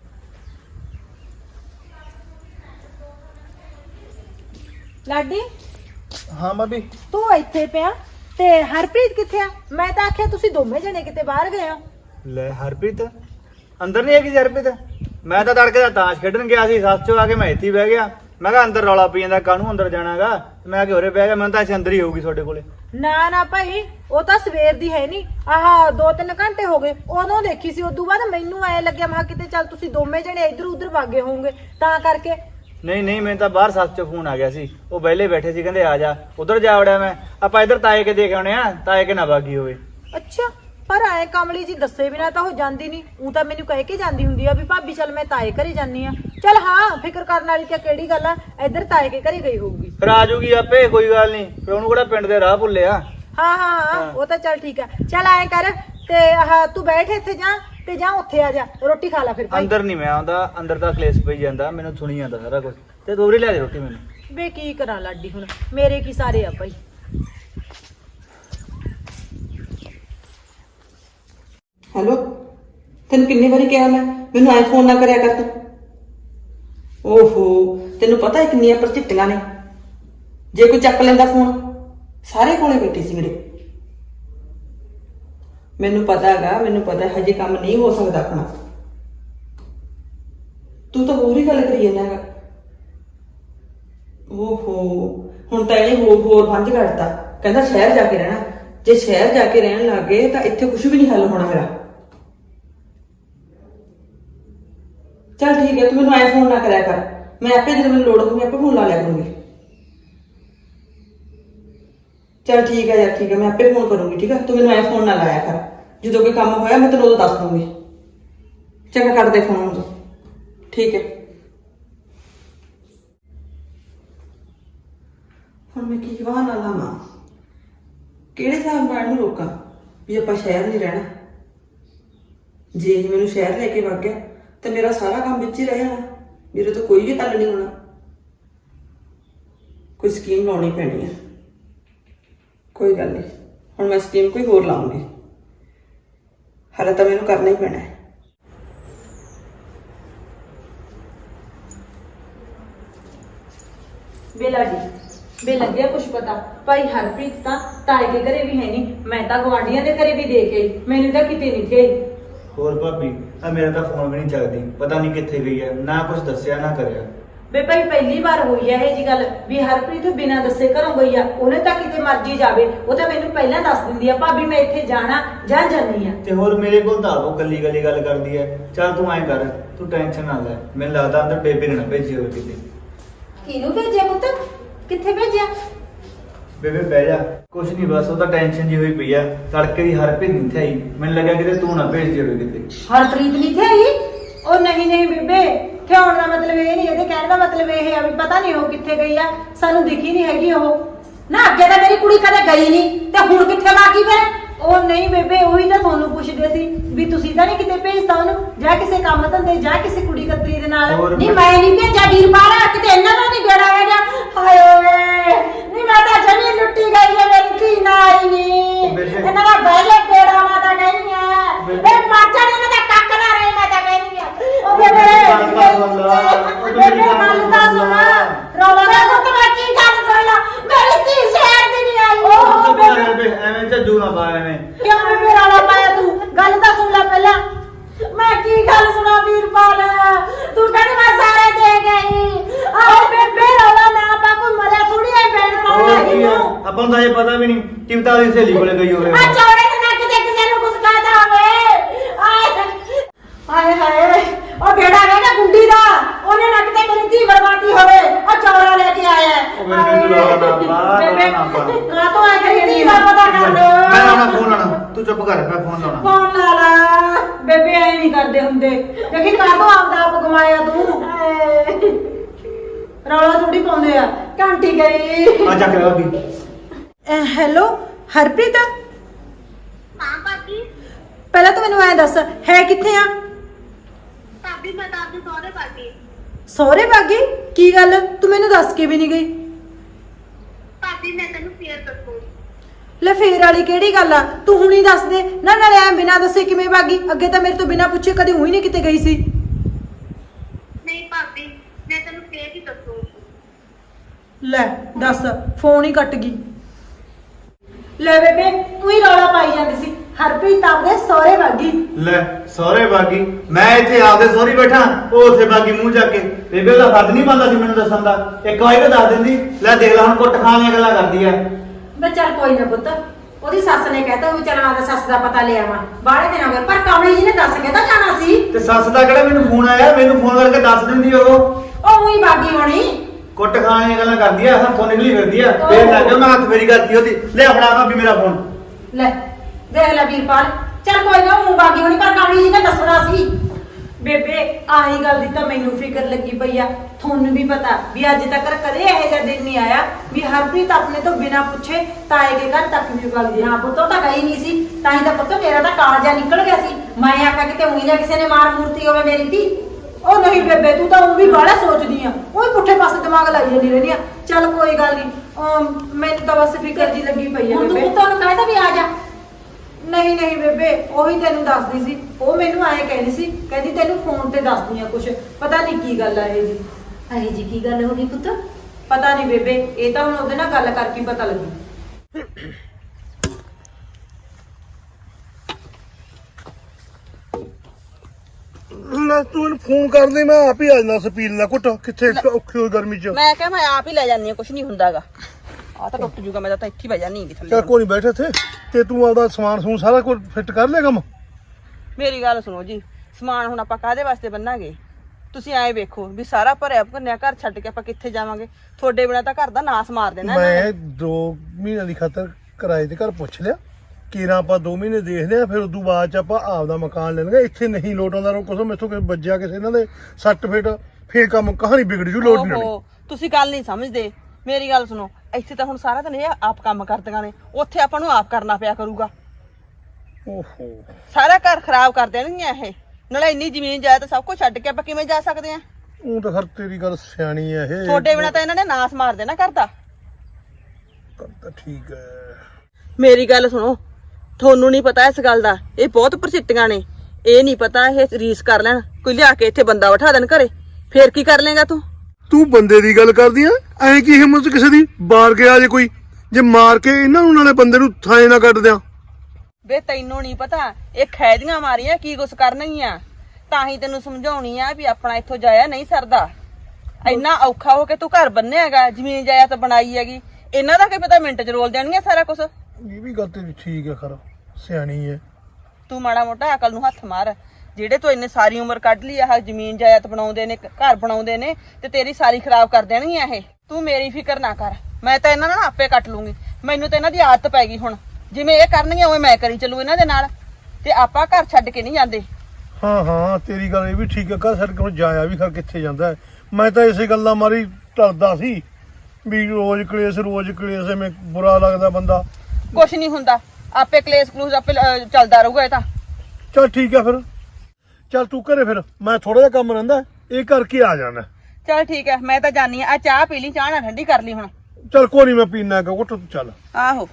ਲਾਡੀ ਹਾਂ ਭਾਬੀ। ਤੂੰ ਇੱਥੇ ਪਿਆ ਤੇ ਹਰਪ੍ਰੀਤ ਕਿੱਥੇ ਆ? ਮੈਂ ਤਾਂ ਆਖਿਆ ਤੁਸੀਂ ਦੋਵੇਂ ਜਣੇ ਕਿਤੇ ਬਾਹਰ ਗਏ ਹੋ। ਲੈ ਹਰਪ੍ਰੀਤ ਅੰਦਰ ਨਹੀਂ ਹੈਗੀ ਹਰਪ੍ਰੀਤ? ਮੈਂ ਤਾਂ ਤੜਕੇ ਦਾ ਤਾਸ਼ ਖੇਡਣ ਗਿਆ ਸੀ, ਸੱਸ ਚੋਂ ਆ ਕੇ ਮੈਂ ਇੱਥੇ ਹੀ ਬਹਿ ਗਿਆ। ਮੈਂ ਕਿਹਾ ਅੰਦਰ ਰੌਲਾ ਪਈ ਜਾਂਦਾ, ਕਾਹਨੂੰ ਅੰਦਰ ਜਾਣਾਗਾ। ਮੈਂ ਆ ਕੇ ਹੋਰੇ ਬਹਿ ਗਿਆ, ਮੈਨੂੰ ਤਾਂ ਇੱਥੇ ਅੰਦਰ ਹੀ ਹੋਊਗੀ ਤੁਹਾਡੇ ਕੋਲੇ। ਨਾ ਨਾ ਭਾਈ, ਉਹ ਤਾਂ ਸਵੇਰ ਦੀ ਹੈ ਨਹੀਂ, ਆਹ 2-3 ਘੰਟੇ ਹੋ ਗਏ ਉਦੋਂ ਦੇਖੀ ਸੀ। ਉਦੋਂ ਬਾਅਦ ਮੈਨੂੰ ਐ ਲੱਗਿਆ ਮੈਂ ਕਿਤੇ ਚੱਲ ਤੁਸੀਂ ਦੋਵੇਂ ਜਣੇ ਇੱਧਰ ਉੱਧਰ ਵਾਗੇ ਹੋਵੋਗੇ ਤਾਂ ਕਰਕੇ। ਨਹੀਂ ਨਹੀਂ, ਮੈਨੂੰ ਤਾਂ ਬਾਹਰ ਸੱਸ ਚੋਂ ਫੋਨ ਆ ਗਿਆ ਸੀ, ਉਹ ਵਿਹਲੇ ਬੈਠੇ ਸੀ, ਕਹਿੰਦੇ ਆ ਜਾ। ਉਧਰ ਜਾ ਵੜਿਆ ਮੈਂ। ਆਪਾਂ ਇੱਧਰ ਤਾਏ ਕੇ ਦੇਖ ਆਉਣੇ ਆ, ਤਾਏ ਕੇ ਨਾ ਬਾਗੀ ਹੋਵੇ। ਅੱਛਾ, ਪਰ ਐ ਕਮਲੀ ਜੀ ਦੱਸੇ ਬਿਨਾ ਤਾਂ ਉਹ ਜਾਂਦੀ ਨਹੀਂ। ਉਹ ਤਾਂ ਮੈਨੂੰ ਕਹਿ ਕੇ ਜਾਂਦੀ ਹੁੰਦੀ ਆ ਵੀ ਭਾਬੀ ਚੱਲ ਮੈਂ ਤਾਏ ਘਰੇ ਜਾਨੀ ਆ। ਚੱਲ ਹਾਂ, ਫਿਕਰ ਕਰਨ ਵਾਲੀ ਕਿਹੜੀ ਗੱਲ ਆ, ਇੱਧਰ ਤਾਏ ਕੇ ਘਰੇ ਗਈ ਹੋਊਗੀ। ਫਿਰ ਆ ਜੂਗੀ ਆਪੇ, ਕੋਈ ਗੱਲ ਨਹੀਂ। ਫਿਰ ਉਹਨੂੰ ਕਿਹੜਾ ਪਿੰਡ ਦੇ ਰਾਹ ਭੁੱਲਿਆ। ਹਾਂ ਹਾਂ ਹਾਂ, ਉਹ ਤਾਂ ਚੱਲ ਠੀਕ ਆ। ਚੱਲ ਐ ਕਰ ਤੇ ਆਹ ਤੂੰ ਬੈਠ ਇੱਥੇ ਜਾ ਤੇ ਜਾਂ ਉੱਥੇ ਆ ਜਾ, ਰੋਟੀ ਖਾ ਲੈ ਫਿਰ ਭਾਈ। ਅੰਦਰ ਨਹੀਂ ਮੈਂ ਆਉਂਦਾ, ਅੰਦਰ ਤਾਂ ਕਲੇਸ਼ ਪਈ ਜਾਂਦਾ, ਮੈਨੂੰ ਸੁਣੀ ਜਾਂਦਾ ਸਾਰਾ ਕੁਝ। ਤੇ ਤੂੰ ਉਰੇ ਲਿਆ ਦੇ ਰੋਟੀ ਮੈਨੂੰ। ਵੇ ਕੀ ਕਰਾਂ ਲਾਡੀ, ਹੁਣ ਮੇਰੇ ਕੀ ਸਾਰੇ ਆ ਭਾਈ। ਹੈਲੋ, ਤੈਨੂੰ ਕਿੰਨੀ ਵਾਰੀ ਕਿਹਾ ਮੈਂ, ਮੈਨੂੰ ਆਈਫੋਨ ਨਾ ਕਰਿਆ ਕਰ ਤੂੰ। ਓਹੋ, ਤੈਨੂੰ ਪਤਾ ਹੈ ਕਿੰਨੀਆਂ ਪ੍ਰਚਿੱਟੀਆਂ ਨੇ। ਜੇ ਕੋਈ ਚੱਕ ਲੈਂਦਾ ਫੋਨ, ਸਾਰੇ ਕੋਲੇ ਬੈਠੇ ਸੀ ਮੇਰੇ। ਮੈਨੂੰ ਪਤਾ ਹੈਗਾ, ਮੈਨੂੰ ਪਤਾ ਹੈ ਹਜੇ ਕੰਮ ਨਹੀਂ ਹੋ ਸਕਦਾ ਆਪਣਾ। ਤੂੰ ਤਾਂ ਹੋਰ ਹੀ ਗੱਲ ਕਰੀ ਜਾਂਦਾ ਹੈਗਾ। ਓਹੋ, ਹੁਣ ਤਾਂ ਇਹਨੇ ਹੋਰ ਬੰਝ ਕਰਤਾ। ਕਹਿੰਦਾ ਸ਼ਹਿਰ ਜਾ ਕੇ ਰਹਿਣਾ। ਜੇ ਸ਼ਹਿਰ ਜਾ ਕੇ ਰਹਿਣ ਲੱਗ ਗਏ ਤਾਂ ਇੱਥੇ ਕੁਝ ਵੀ ਨਹੀਂ ਹੱਲ ਹੋਣਾ ਮੇਰਾ। ਚੱਲ ਠੀਕ ਹੈ, ਤੂੰ ਮੈਨੂੰ ਆਈਫੋਨ ਨਾ ਕਰਿਆ ਕਰ। ਮੈਂ ਆਪੇ ਜਦੋਂ ਮੈਨੂੰ ਲੋੜ ਹੋਊਗੀ ਆਪੇ ਫੋਨ ਲਾ ਲਿਆ ਕਰੂੰਗੀ। ਚੱਲ ਠੀਕ ਹੈ ਯਾਰ, ਠੀਕ ਹੈ, ਮੈਂ ਆਪੇ ਫੋਨ ਕਰੂੰਗੀ। ਠੀਕ ਹੈ, ਤੂੰ ਮੈਨੂੰ ਆਈਫੋਨ ਨਾ ਲਾਇਆ ਕਰ। ਜਦੋਂ ਕੋਈ ਕੰਮ ਹੋਇਆ ਮੈਂ ਤੈਨੂੰ ਉਦੋਂ ਦੱਸ ਦੂੰਗੀ। ਚੰਗਾ, ਕਰ ਦੇ ਫੋਨ ਤੂੰ। ਠੀਕ ਹੈ। ਹੁਣ ਮੈਂ ਕੀ ਬਹਾਨਾ ਲਾਵਾਂ, ਕਿਹੜੇ ਹਿਸਾਬ ਨਾਲ ਇਹਨੂੰ ਰੋਕਾਂ ਵੀ ਆਪਾਂ ਸ਼ਹਿਰ ਨਹੀਂ ਰਹਿਣਾ। ਜੇ ਇਹ ਮੈਨੂੰ ਸ਼ਹਿਰ ਲੈ ਕੇ ਵਗ ਗਿਆ ਤੇ ਮੇਰਾ ਸਾਰਾ ਕੰਮ ਵਿੱਚ ਹੀ ਰਹਿ ਜਾਣਾ, ਮੇਰੇ ਤੋਂ ਕੋਈ ਵੀ ਹੱਲ ਨਹੀਂ ਹੋਣਾ। ਕੋਈ ਸਕੀਮ ਲਾਉਣੀ ਪੈਣੀ ਹੈ। ਕੋਈ ਗੱਲ ਨਹੀਂ, ਹੁਣ ਮੈਂ ਸਕੀਮ ਕੋਈ ਹੋਰ ਲਾਉਂਗੀ। ਹਾਲੇ ਤਾਂ ਮੈਨੂੰ ਕਰਨਾ ਹੀ ਪੈਣਾ ਹੈ। ਵੇ ਲੱਗਿਆ ਕੁਛ ਪਤਾ? ਭਾਈ ਹਰਪ੍ਰੀਤ ਤਾਂ ਤਾਏ ਦੇ ਘਰੇ ਵੀ ਹੈ ਨਹੀਂ, ਮੈਂ ਤਾਂ ਗਵਾਂਢੀਆਂ ਦੇ ਘਰੇ ਵੀ ਦੇਖ ਆਈ, ਮੈਨੂੰ ਤਾਂ ਕਿਤੇ ਨਹੀਂ ਗਈ। ਹੋਰ ਭਾਬੀ, ਆ ਮੇਰਾ ਤਾਂ ਫੋਨ ਵੀ ਨਹੀਂ ਚੱਕਦੀ, ਪਤਾ ਨਹੀਂ ਕਿੱਥੇ ਗਈ ਹੈ। ਨਾ ਕੁਝ ਦੱਸਿਆ ਨਾ ਕਰਿਆ। ਵੇ ਭਾਈ ਪਹਿਲੀ ਵਾਰ ਹੋਈ ਹੈ ਇਹ ਜੀ ਗੱਲ ਵੀ ਹਰਪ੍ਰੀਤ ਬਿਨਾਂ ਦੱਸੇ ਘਰੋਂ ਗਈ ਆ। ਉਹਨੇ ਤਾਂ ਕਿਤੇ ਮਰਜੀ ਜਾਵੇ, ਉਹ ਤਾਂ ਮੈਨੂੰ ਪਹਿਲਾਂ ਦੱਸ ਦਿੰਦੀ ਆ ਭਾਬੀ ਮੈਂ ਇੱਥੇ ਜਾਣਾ ਜਾਂ ਜਾਨੀ ਆ। ਤੇ ਹੋਰ ਮੇਰੇ ਕੋਲ ਤਾਂ ਉਹ ਕੱਲੀ ਗੱਲ ਕਰਦੀ ਹੈ। ਚੱਲ ਤੂੰ ਐਂ ਕਰ, ਤੂੰ ਟੈਨਸ਼ਨ ਨਾ ਲੈ। ਮੈਨੂੰ ਲੱਗਦਾ ਅੰਦਰ ਬੇਬੇ ਨੇ ਨਾ ਭੇਜੀ ਹੋਵੇ ਕਿਤੇ। ਕਿਹਨੂੰ ਭੇਜਿਆ ਪੁੱਤ? ਕਿੱਥੇ ਭੇਜਿਆ? ਬੇਬੇ ਬਹਿ ਜਾ, ਕੁਛ ਨਹੀਂ, ਬਸ ਉਹ ਤਾਂ ਟੈਨਸ਼ਨ ਜੀ ਹੋਈ ਪਈ ਆ। ਤੜਕੇ ਦੀ ਹਰਪ੍ਰੀਤ ਨਹੀਂ ਆਈ, ਮੈਨੂੰ ਲੱਗਿਆ ਕਿਤੇ ਤੂੰ ਨਾ ਭੇਜ ਹੋਵੇ ਕਿਤੇ। ਹਰਪ੍ਰੀਤ ਨਹੀਂ ਥੇ ਆਈ? ਉਹ ਨਹੀਂ ਬੇਬੇ, ਖਿਆਉਣ ਦਾ ਮਤਲਬ ਇਹ ਨਹੀਂ, ਇਹਦੇ ਕਹਿਣ ਦਾ ਮਤਲਬ ਇਹ ਆ ਵੀ ਪਤਾ ਨਹੀਂ ਉਹ ਕਿੱਥੇ ਗਈ ਆ, ਸਾਨੂੰ ਦਿਖੀ ਨਹੀਂ ਹੈਗੀ ਉਹ। ਨਾ ਅੱਗੇ ਤਾਂ ਮੇਰੀ ਕੁੜੀ ਕਦੇ ਗਈ ਨਹੀਂ ਤੇ ਹੁਣ ਕਿੱਥੇ ਬਾਕੀ ਫਿਰ? ਉਹ ਨਹੀਂ ਬੇਬੇ, ਉਹੀ ਤਾਂ ਤੁਹਾਨੂੰ ਪੁੱਛਦੇ ਸੀ ਵੀ ਤੁਸੀਂ ਤਾਂ ਨਹੀਂ ਕਿਤੇ ਭੇਜਤਾ ਉਹਨੂੰ, ਜਾਂ ਕਿਸੇ ਕੰਮ ਧੰਦੇ ਜਾਂ ਕਿਸੇ ਕੁੜੀ ਕਤਰੀ ਦੇ ਨਾਲ। ਨਹੀਂ ਮੈਂ ਨਹੀਂ ਭੇਜਿਆ ਵੀਰਪਾਲ, ਕਿਤੇ ਇਹਨਾਂ ਦਾ ਨਹੀਂ ਗੇੜਾ ਹੈਗਾ। ਹਾਏ ਨਹੀਂ ਮੈਂ ਤਾਂ ਜਮੀ ਲੁੱਟੀ ਗਈ ਹੈ, ਮੇਰੀ ਧੀ ਨਾ ਆਈ ਨਹੀਂ। ਇਹਨਾਂ ਦਾ ਬੈਲੇ ਗੇੜਾ ਮੈਂ ਤਾਂ ਕਹਿੰਦੀ ਆ, ਇਹ ਮਾਚਾ ਨੇ ਇਹਨਾਂ ਦਾ ਕੱਕ ਨਾ ਰਹੇ ਮੈਂ ਤਾਂ ਕਹਿੰਦੀ ਆ। ਉਹ ਬੇਬੇ ਬੇਬੇ ਗੱਲ ਤਾਂ ਸੁਣ, ਰੌਲਾ ਨਾ ਪੁੱਤ, ਮੈਂ ਕੀ ਗੱਲ ਸੁਣ ਲਾ, ਮੇਰੀ ਧੀ ਸ਼ਹਿਰ ਦੀ ਨਹੀਂ ਆਈ। ਉਹ ਬੇਬੇ ਐਵੇਂ ਝੱਜੂ ਨਾ ਪਾ ਐਵੇਂ। ਕਿਉਂ ਬੇਬੇ ਰੌਲਾ ਪਾਇਆ ਤੂੰ? ਗੱਲ ਤਾਂ ਸੁਣ ਲੈ ਪਹਿਲਾਂ। ਮੈਂ ਕੀ ਗੱਲ ਸੁਣਾ ਵੀਰਪਾਲ, ਤੂੰ ਕਹਿੰਦੀ ਮੈਂ ਸਾਰੇ ਦੇ ਗਈ। ਆਹ ਬੇਬੇ ਰੌਲਾ ਨਾ ਪਾ, ਕੋਈ ਮਰਿਆ ਥੋੜੀ ਐ ਬੈਣ ਪਾਉਣ ਲੱਗੀ ਤੂੰ। ਆਪਾਂ ਨੂੰ ਤਾਂ ਇਹ ਪਤਾ ਵੀ ਨਹੀਂ ਕਿਵਤਾ ਦੀ ਸਹੇਲੀ ਕੋਲੇ ਗਈ ਹੋਵੇ। ਆ ਚੌੜੇ ਤੇ ਨਾ ਕਿਤੇ ਕਿਸੇ ਨੂੰ ਕੁਝ ਕਹਦਾ ਹੋਵੇ। ਹਾਏ ਹਾਏ, ਉਹ ਬੇੜਾ ਹੈ ਨਾ ਗੁੰਡੀ ਦਾ, ਉਹਨੇ ਨਾ ਕਿਤੇ ਮੇਰੀ ਧੀ ਬਰਬਾਦੀ ਹੋਵੇ। ਉਹ ਚੌੜਾ ਲੈ ਕੇ ਆਇਆ। ਉਹ ਬੇਬੇ ਤੂੰ ਰੌਲਾ ਨਾ ਪਾ, ਬੇਬੇ ਰੌਲਾ ਨਾ ਪਾ। ਕਾ ਤੋਂ ਆ ਕੇ ਧੀ ਦਾ ਪਤਾ ਕਰ ਦੋ। ਮੈਂ ਲਾਉਣਾ ਫੋਨ ਲਾਉਣਾ, ਤੂੰ ਚੁੱਪ ਕਰ, ਮੈਂ ਫੋਨ ਲਾਉਣਾ। ਫੋਨ ਲਾ ਲਾ। ਬੇਬੇ ਐ ਨਹੀਂ ਕਰਦੇ ਹੁੰਦੇ, ਦੇਖੀ ਕਾਹਤੋਂ ਆਪਦਾ ਆਪ ਗਵਾਇਆ ਤੂੰ। ਰੌਲਾ ਥੋੜੀ ਪਾਉਂਦੇ ਆ। ਘੰਟੀ ਗਈ। ਆ ਚੱਕ ਲੈ ਭਾਬੀ। ਹੈਲੋ ਹਰਪ੍ਰੀਤ? ਹਾਂ ਭਾਬੀ। ਪਹਿਲਾਂ ਤੂੰ ਮੈਨੂੰ ਐ ਦੱਸ, ਹੈ ਕਿੱਥੇ ਆ? ਭਾਬੀ ਮੈਂ ਤਾਂ ਆਪਣੇ ਸਹੁਰੇ ਭਾਗੀ। ਸਹੁਰੇ ਬਾਗੀ? ਕੀ ਗੱਲ, ਤੂੰ ਮੈਨੂੰ ਦੱਸ ਕੇ ਵੀ ਨਹੀਂ ਗਈ? ਭਾਬੀ ਮੈਂ ਤੈਨੂੰ ਫੇਰ ਦੱਸੂ। ਲੈ ਫੇਰ ਵਾਲੀ ਕਿਹੜੀ ਗੱਲ ਆ? ਤੂੰ ਹੁਣੀ ਦੱਸ ਦੇ ਨਾ, ਨਾਲੇ ਐ ਬਿਨਾਂ ਦੱਸੇ ਕਿਵੇਂ ਭਾਗੀ? ਅੱਗੇ ਤਾਂ ਮੇਰੇ ਤੋਂ ਬਿਨਾਂ ਪੁੱਛੇ ਕਦੇ ਉਹੀ ਨਹੀਂ ਕਿਤੇ ਗਈ ਸੀ। ਨਹੀਂ ਭਾਬੀ, ਮੈਂ ਤੈਨੂੰ ਫੇਰ ਹੀ ਦੱਸੂਗੀ। ਲੈ ਦੱਸ, ਫੋਨ ਹੀ ਕੱਟ ਗਈ। ਲੈ ਬੇਬੇ ਤੂੰ ਹੀ ਰੌਲਾ ਪਾਈ ਜਾਂਦੀ ਸੀ, ਹਰਪ੍ਰੀਤ ਆਪਦੇ ਸਹੁਰੇ ਭਾਗੀ। ਲੈ ਸਹੁਰੇ ਬਾਗੀ, ਮੈਂ ਇੱਥੇ ਆਪਦੇ ਸਹੁਰੀ ਬੈਠਾ, ਉਹ ਉੱਥੇ ਬਾਗੀ ਮੂੰਹ ਚੱਕ ਕੇ। ਬੇਬੇ ਦਾ ਫਰਜ਼ ਨਹੀਂ ਬਣਦਾ ਸੀ ਮੈਨੂੰ ਦੱਸਣ ਦਾ, ਇੱਕ ਵਾਰੀ ਤਾਂ ਦੱਸ ਦਿੰਦੀ। ਲੈ ਦੇਖ ਲੈ ਹੁਣ ਕੁੱਟ ਖਾਣ ਦੀਆਂ ਗੱਲਾਂ ਕਰਦੀ ਆ। ਮੈਂ ਚੱਲ ਕੋਈ ਨਾ ਪੁੱਤ, ਉਹਦੀ ਸੱਸ ਨੇ ਕਹਿਤਾ ਵੀ ਚੱਲ ਮੈਂ ਸੱਸ ਦਾ ਪਤਾ ਲੈ ਆਵਾਂ, ਬਾਹਲੇ ਦਿਨ ਹੋ ਗਏ, ਪਰ ਕਮਲੀ ਜੀ ਨੇ ਦੱਸ ਕੇ ਤਾਂ ਜਾਣਾ ਸੀ। ਤੇ ਸੱਸ ਦਾ ਕਿਹੜਾ ਮੈਨੂੰ ਫੋਨ ਆਇਆ, ਮੈਨੂੰ ਫੋਨ ਕਰਕੇ ਦੱਸ ਦਿੰਦੀ ਉਹ ਉਹੀ ਬਾਗੀ ਹੋਣੀ। ਕੁੱਟ ਖਾਣ ਦੀਆਂ ਗੱਲਾਂ ਕਰਦੀ ਆ, ਹੱਥੋਂ ਨਿਕਲੀ ਫਿਰਦੀ ਆ। ਫੇਰ ਲੱਗ ਗਿਆ ਮੈਂ ਹੱਥ ਫੇਰੀ ਕਰਤੀ ਉਹਦੀ। ਲੈ ਫੜਾ ਭਾਬੀ ਮੇਰਾ ਫੋਨ। ਲੈ ਦੇਖ ਲੈ ਵੀਰਪਾਲ, ਚੱਲ ਕੋਈ ਨਾ ਉਹ ਬਾਗੀ ਹੋਣੀ, ਪਰ ਕਮਲੀ ਜੀ ਨੇ ਦੱਸਣਾ ਸੀ। ਬੇਬੇ ਆਹੀ ਗੱਲ ਦੀ ਤਾਂ ਮੈਨੂੰ ਫਿਕਰ ਲੱਗੀ ਪਈ ਆ। ਤੁਹਾਨੂੰ ਵੀ ਪਤਾ ਵੀ ਅੱਜ ਤੱਕ ਕਦੇ ਇਹੋ ਜਿਹਾ ਦਿਨ ਨਹੀਂ ਆਇਆ ਵੀ ਹਰਪ੍ਰੀਤ ਆਪਣੇ ਤੋਂ ਬਿਨਾਂ ਪੁੱਛੇ ਤਾਏ ਦੇ ਘਰ ਤੱਕ ਵੀ ਵਗ ਜੇ। ਹਾਂ ਪੁੱਤੋਂ ਤਾਂ ਗਈ ਨਹੀਂ ਸੀ, ਤਾਂ ਹੀ ਤਾਂ ਪੁੱਤ ਮੇਰਾ ਤਾਂ ਕਾਲਜਾ ਨਿਕਲ ਗਿਆ ਸੀ। ਮੈਂ ਆਖਿਆ ਕਿਤੇ ਉਹੀ ਨਾ ਕਿਸੇ ਨੇ ਮਾਰ ਮੂਰਤੀ ਹੋਵੇ ਮੇਰੀ ਧੀ। ਉਹ ਨਹੀਂ ਬੇਬੇ, ਤੂੰ ਤਾਂ ਉਹ ਵੀ ਬਾਹਲਾ ਸੋਚਦੀ ਆ, ਉਹ ਹੀ ਪੁੱਠੇ ਪਾਸੇ ਦਿਮਾਗ ਲਾਈ ਜਾਂਦੀ ਰਹਿੰਦੀ ਆ। ਚੱਲ ਕੋਈ ਗੱਲ ਨਹੀਂ, ਮੈਨੂੰ ਤਾਂ ਬਸ ਫਿਕਰ ਜੀ ਲੱਗੀ ਪਈ ਆ ਹੁਣ ਤੂੰ ਬੇਬੇ। ਪੁੱਤੋਂ ਨੂੰ ਕਹਿਦਾ ਵੀ ਆ ਜਾ। ਨਹੀਂ ਨਹੀਂ ਬੇਬੇ, ਉਹੀ ਤੈਨੂੰ ਦੱਸਦੀ ਸੀ। ਉਹ ਮੈਨੂੰ ਐਂ ਕਹਿੰਦੀ ਸੀ, ਕਹਿੰਦੀ ਤੈਨੂੰ ਫੋਨ ਤੇ ਦੱਸਦੀ ਆ ਕੁਛ, ਪਤਾ ਨਹੀਂ ਕੀ ਗੱਲ ਆ ਇਹ ਜੀ। ਅਰੇ ਜੀ ਕੀ ਗੱਲ ਹੋ ਗਈ ਪੁੱਤ? ਪਤਾ ਨਹੀਂ ਬੇਬੇ, ਇਹ ਤਾਂ ਹੁਣ ਉਹਦੇ ਨਾਲ ਗੱਲ ਕਰਕੇ ਪਤਾ ਲੱਗੀ। ਲੈ ਤੂੰ ਇਹਨੂੰ ਫੋਨ ਕਰ ਦੇ, ਮੈਂ ਆਪ ਹੀ ਆ ਜਾਣਾ। ਸਪੀਲ ਨਾ ਕੁੱਟ ਕਿੱਥੇ ਔਖੀ ਹੋਈ ਗਰਮੀ ਚ। ਮੈਂ ਕਿਹਾ ਮੈਂ ਆਪ ਹੀ ਲੈ ਜਾਂਦੀ ਆ, ਕੁਛ ਨਹੀਂ ਹੁੰਦਾਗਾ। ਆ ਤਾਂ ਟੁੱਟ ਜੂਗਾ, ਮੈਂ ਤਾਂ ਇੱਥੇ ਹੀ ਬਹਿ ਜਾਣੀ ਹੈਗੀ ਚੱਲ ਥੱਲੇ। ਕੋਈ ਨਹੀਂ, ਬੈਠੇ ਇੱਥੇ ਤੇ ਤੂੰ ਆਪਦਾ ਸਮਾਨ ਸਮੂਨ ਸਾਰਾ ਕੁਝ ਫਿੱਟ ਕਰ ਲਿਆ ਕੰਮ। ਮੇਰੀ ਗੱਲ ਸੁਣੋ ਜੀ, ਸਮਾਨ ਹੁਣ ਆਪਾਂ ਕਾਹਦੇ ਵਾਸਤੇ ਬੰਨਾਂਗੇ? ਤੁਸੀਂ ਐਂ ਵੇਖੋ ਵੀ ਸਾਰਾ ਭਰਿਆ ਭੰਨਿਆ ਘਰ ਛੱਡ ਕੇ ਆਪਾਂ ਕਿੱਥੇ ਜਾਵਾਂਗੇ? ਤੁਹਾਡੇ ਬਿਨਾਂ ਤਾਂ ਘਰ ਦਾ ਨਾਸ ਮਾਰ ਦੇਣਾ ਇਹਨਾਂ ਨੇ। ਮੈਂ 2 ਮਹੀਨਿਆਂ ਦੀ ਖਾਤਰ ਕਿਰਾਏ ਤੇ ਘਰ ਪੁੱਛ ਲਿਆ। ਕੀਰਾਂ ਆਪਾਂ 2 ਮਹੀਨੇ ਦੇਖ ਲਿਆ, ਫਿਰ ਉਦੋਂ ਬਾਅਦ ਚ ਆਪਾਂ ਆਪਦਾ ਮਕਾਨ ਲੈ ਲਾਂਗੇ। ਇੱਥੇ ਨਹੀਂ ਲੋਟ ਆਉਂਦਾ, ਰੋ ਕੁਛ ਮੈਥੋਂ ਕਿ ਵੱਜਿਆ ਕਿਸੇ ਇਹਨਾਂ ਦੇ ਸੱਟ ਫੇਟ, ਫੇਰ ਕੰਮ ਕਹਾਣੀ ਵਿਗੜ ਜੂ। ਲੋਟ ਨਹੀਂ ਓਹੋ, ਤੁਸੀਂ ਗੱਲ ਨਹੀਂ ਸਮਝਦੇ। ਮੇਰੀ ਗੱਲ ਸੁਣੋ, ਇੱਥੇ ਤਾਂ ਹੁਣ ਸਾਰਾ ਦਿਨ ਇਹ ਆਪ ਕੰਮ ਕਰਦੀਆਂ ਨੇ, ਉੱਥੇ ਆਪਾਂ ਨੂੰ ਆਪ ਕਰਨਾ ਪਿਆ ਕਰੂਗਾ। ਓਹੋ, ਸਾਰਾ ਘਰ ਖਰਾਬ ਕਰ ਦੇਣਗੀਆਂ ਇਹ। ਨਾਲੇ ਇੰਨੀ ਜ਼ਮੀਨ ਜਾਇਦਾਦ ਸਭ ਕੁਝ ਛੱਡ ਕੇ ਆਪਾਂ ਕਿਵੇਂ ਜਾ ਸਕਦੇ ਆ? ਉਹ ਤਾਂ ਖਰ ਤੇਰੀ ਗੱਲ ਸਿਆਣੀ ਹੈ ਇਹ। ਤੁਹਾਡੇ ਬਿਨਾਂ ਤਾਂ ਇਹਨਾਂ ਨੇ ਨਾਸ ਮਾਰ ਦੇਣਾ ਘਰ ਦਾ। ਤਾਂ ਠੀਕ ਹੈ। ਮੇਰੀ ਗੱਲ ਸੁਣੋ, ਤੁਹਾਨੂੰ ਨਹੀਂ ਪਤਾ ਇਸ ਗੱਲ ਦਾ, ਇਹ ਬਹੁਤ ਪ੍ਰਚਿੱਤੀਆਂ ਨੇ। ਇਹ ਨਹੀਂ ਪਤਾ ਇਹ ਰੀਸ ਕਰ ਲੈਣ, ਕੋਈ ਲਿਆ ਕੇ ਇੱਥੇ ਬੰਦਾ ਬਿਠਾ ਦੇਣ ਘਰੇ, ਫੇਰ ਕੀ ਕਰ ਲੇਗਾ ਤੂੰ? ਤੂੰ ਬੰਦੇ ਦੀ ਗੱਲ ਕਰਦੀ ਆ? ਐ ਕੀ ਹਿੰਮਤ ਕਿਸੇ ਦੀ? ਬਾਹਰ ਗਿਆ ਜੇ ਕੋਈ, ਜੇ ਮਾਰ ਕੇ ਇਹਨਾਂ ਨੂੰ ਨਾਲੇ ਬੰਦੇ ਨੂੰ ਥਾਂ ਨਾ ਕੱਢ ਦਿਆਂ। ਵੇ ਤੈਨੂੰ ਨਹੀਂ ਪਤਾ ਇਹ ਖੈਦੀਆਂ ਮਾਰੀਆਂ ਕੀ ਕੁਛ ਕਰਨਗੀਆਂ। ਤਾਂ ਹੀ ਤੈਨੂੰ ਸਮਝਾਉਣੀ ਆ ਵੀ ਆਪਣਾ ਇੱਥੋਂ ਜਾਇਆ ਨਹੀਂ ਸਰਦਾ। ਇੰਨਾ ਔਖਾ ਹੋ ਕੇ ਤੂੰ ਘਰ ਬੰਨਿਆਗਾ, ਜ਼ਮੀਨ ਜਾਇਆ ਤਾਂ ਬਣਾਈ ਹੈਗੀ। ਇਹਨਾਂ ਦਾ ਕੀ ਪਤਾ ਮਿੰਟ 'ਚ ਰੋਲ ਦੇਣਗੀਆਂ ਸਾਰਾ ਕੁਝ। ਇਹ ਵੀ ਗੱਲ ਤੇਰੀ ਠੀਕ ਹੈ, ਖਰਾ ਸਿਆਣੀ ਹੈ। ਤੂੰ ਮਾੜਾ ਮੋਟਾ ਅਕਲ ਨੂੰ ਹੱਥ ਮਾਰ। ਜਿਹੜੇ ਤੂੰ ਇੰਨੇ ਸਾਰੀ ਉਮਰ ਕੱਢ ਲਈ ਆਹ ਜ਼ਮੀਨ ਜਾਇਦਾਦ ਬਣਾਉਂਦੇ ਨੇ, ਘਰ ਬਣਾਉਂਦੇ ਨੇ, ਤੇ ਤੇਰੀ ਸਾਰੀ ਖਰਾਬ ਕਰ ਦੇਣਗੀਆਂ ਇਹ। ਤੂੰ ਮੇਰੀ ਫਿਕਰ ਨਾ ਕਰ, ਮੈਂ ਤਾਂ ਇਹਨਾਂ ਨਾਲ ਆਪੇ ਕੱਟ ਲੂੰਗੀ। ਮੈਨੂੰ ਤਾਂ ਇਹਨਾਂ ਦੀ ਆਦਤ ਪੈ ਗਈ ਹੁਣ, ਜਿਵੇਂ ਇਹ ਕਰਨਗੇ ਉਵੇਂ ਮੈਂ ਕਰੀ ਚੱਲੂ ਇਹਨਾਂ ਦੇ ਨਾਲ, ਤੇ ਆਪਾਂ ਘਰ ਛੱਡ ਕੇ ਨਹੀਂ ਜਾਂਦੇ। ਹਾਂ ਹਾਂ, ਤੇਰੀ ਗੱਲ ਇਹ ਵੀ ਠੀਕ ਹੈ। ਘਰ ਛੱਡ ਕੇ ਹੁਣ ਜਾਇਆ ਵੀ ਖਰ ਕਿੱਥੇ ਜਾਂਦਾ ਹੈ। ਮੈਂ ਤਾਂ ਇਸੇ ਗੱਲਾਂ ਮਾਰੀ ਟਲਦਾ ਸੀ ਵੀ ਰੋਜ਼ ਕਲੇਸ਼ ਐਵੇਂ ਬੁਰਾ ਲੱਗਦਾ ਬੰਦਾ। ਕੁਛ ਨਹੀਂ ਹੁੰਦਾ, ਆਪੇ ਕਲੇਸ਼ ਕਲੂਸ ਆਪੇ ਚੱਲਦਾ ਰਹੂਗਾ ਇਹ ਤਾਂ। ਚੱਲ ਠੀਕ ਹੈ ਫਿਰ, ਚੱਲ ਤੂੰ ਘਰੇ, ਫਿਰ ਮੈਂ ਥੋੜਾ ਜਿਹਾ ਕੰਮ ਰਹਿੰਦਾ ਇਹ ਕਰਕੇ ਆ ਜਾਣਾ। ਚੱਲ ਠੀਕ ਹੈ, ਮੈਂ ਤਾਂ ਜਾਨੀ ਆ। ਚਾਹ ਪੀ ਲਈ, ਚਾਹ ਨਾ ਠੰਡੀ ਕਰ ਲਈ ਹੁਣ। ਚੱਲ ਕੋਈ ਨਹੀਂ, ਮੈਂ ਪੀਣਾ ਕਿ ਤੂੰ ਚੱਲ। ਆਹੋ,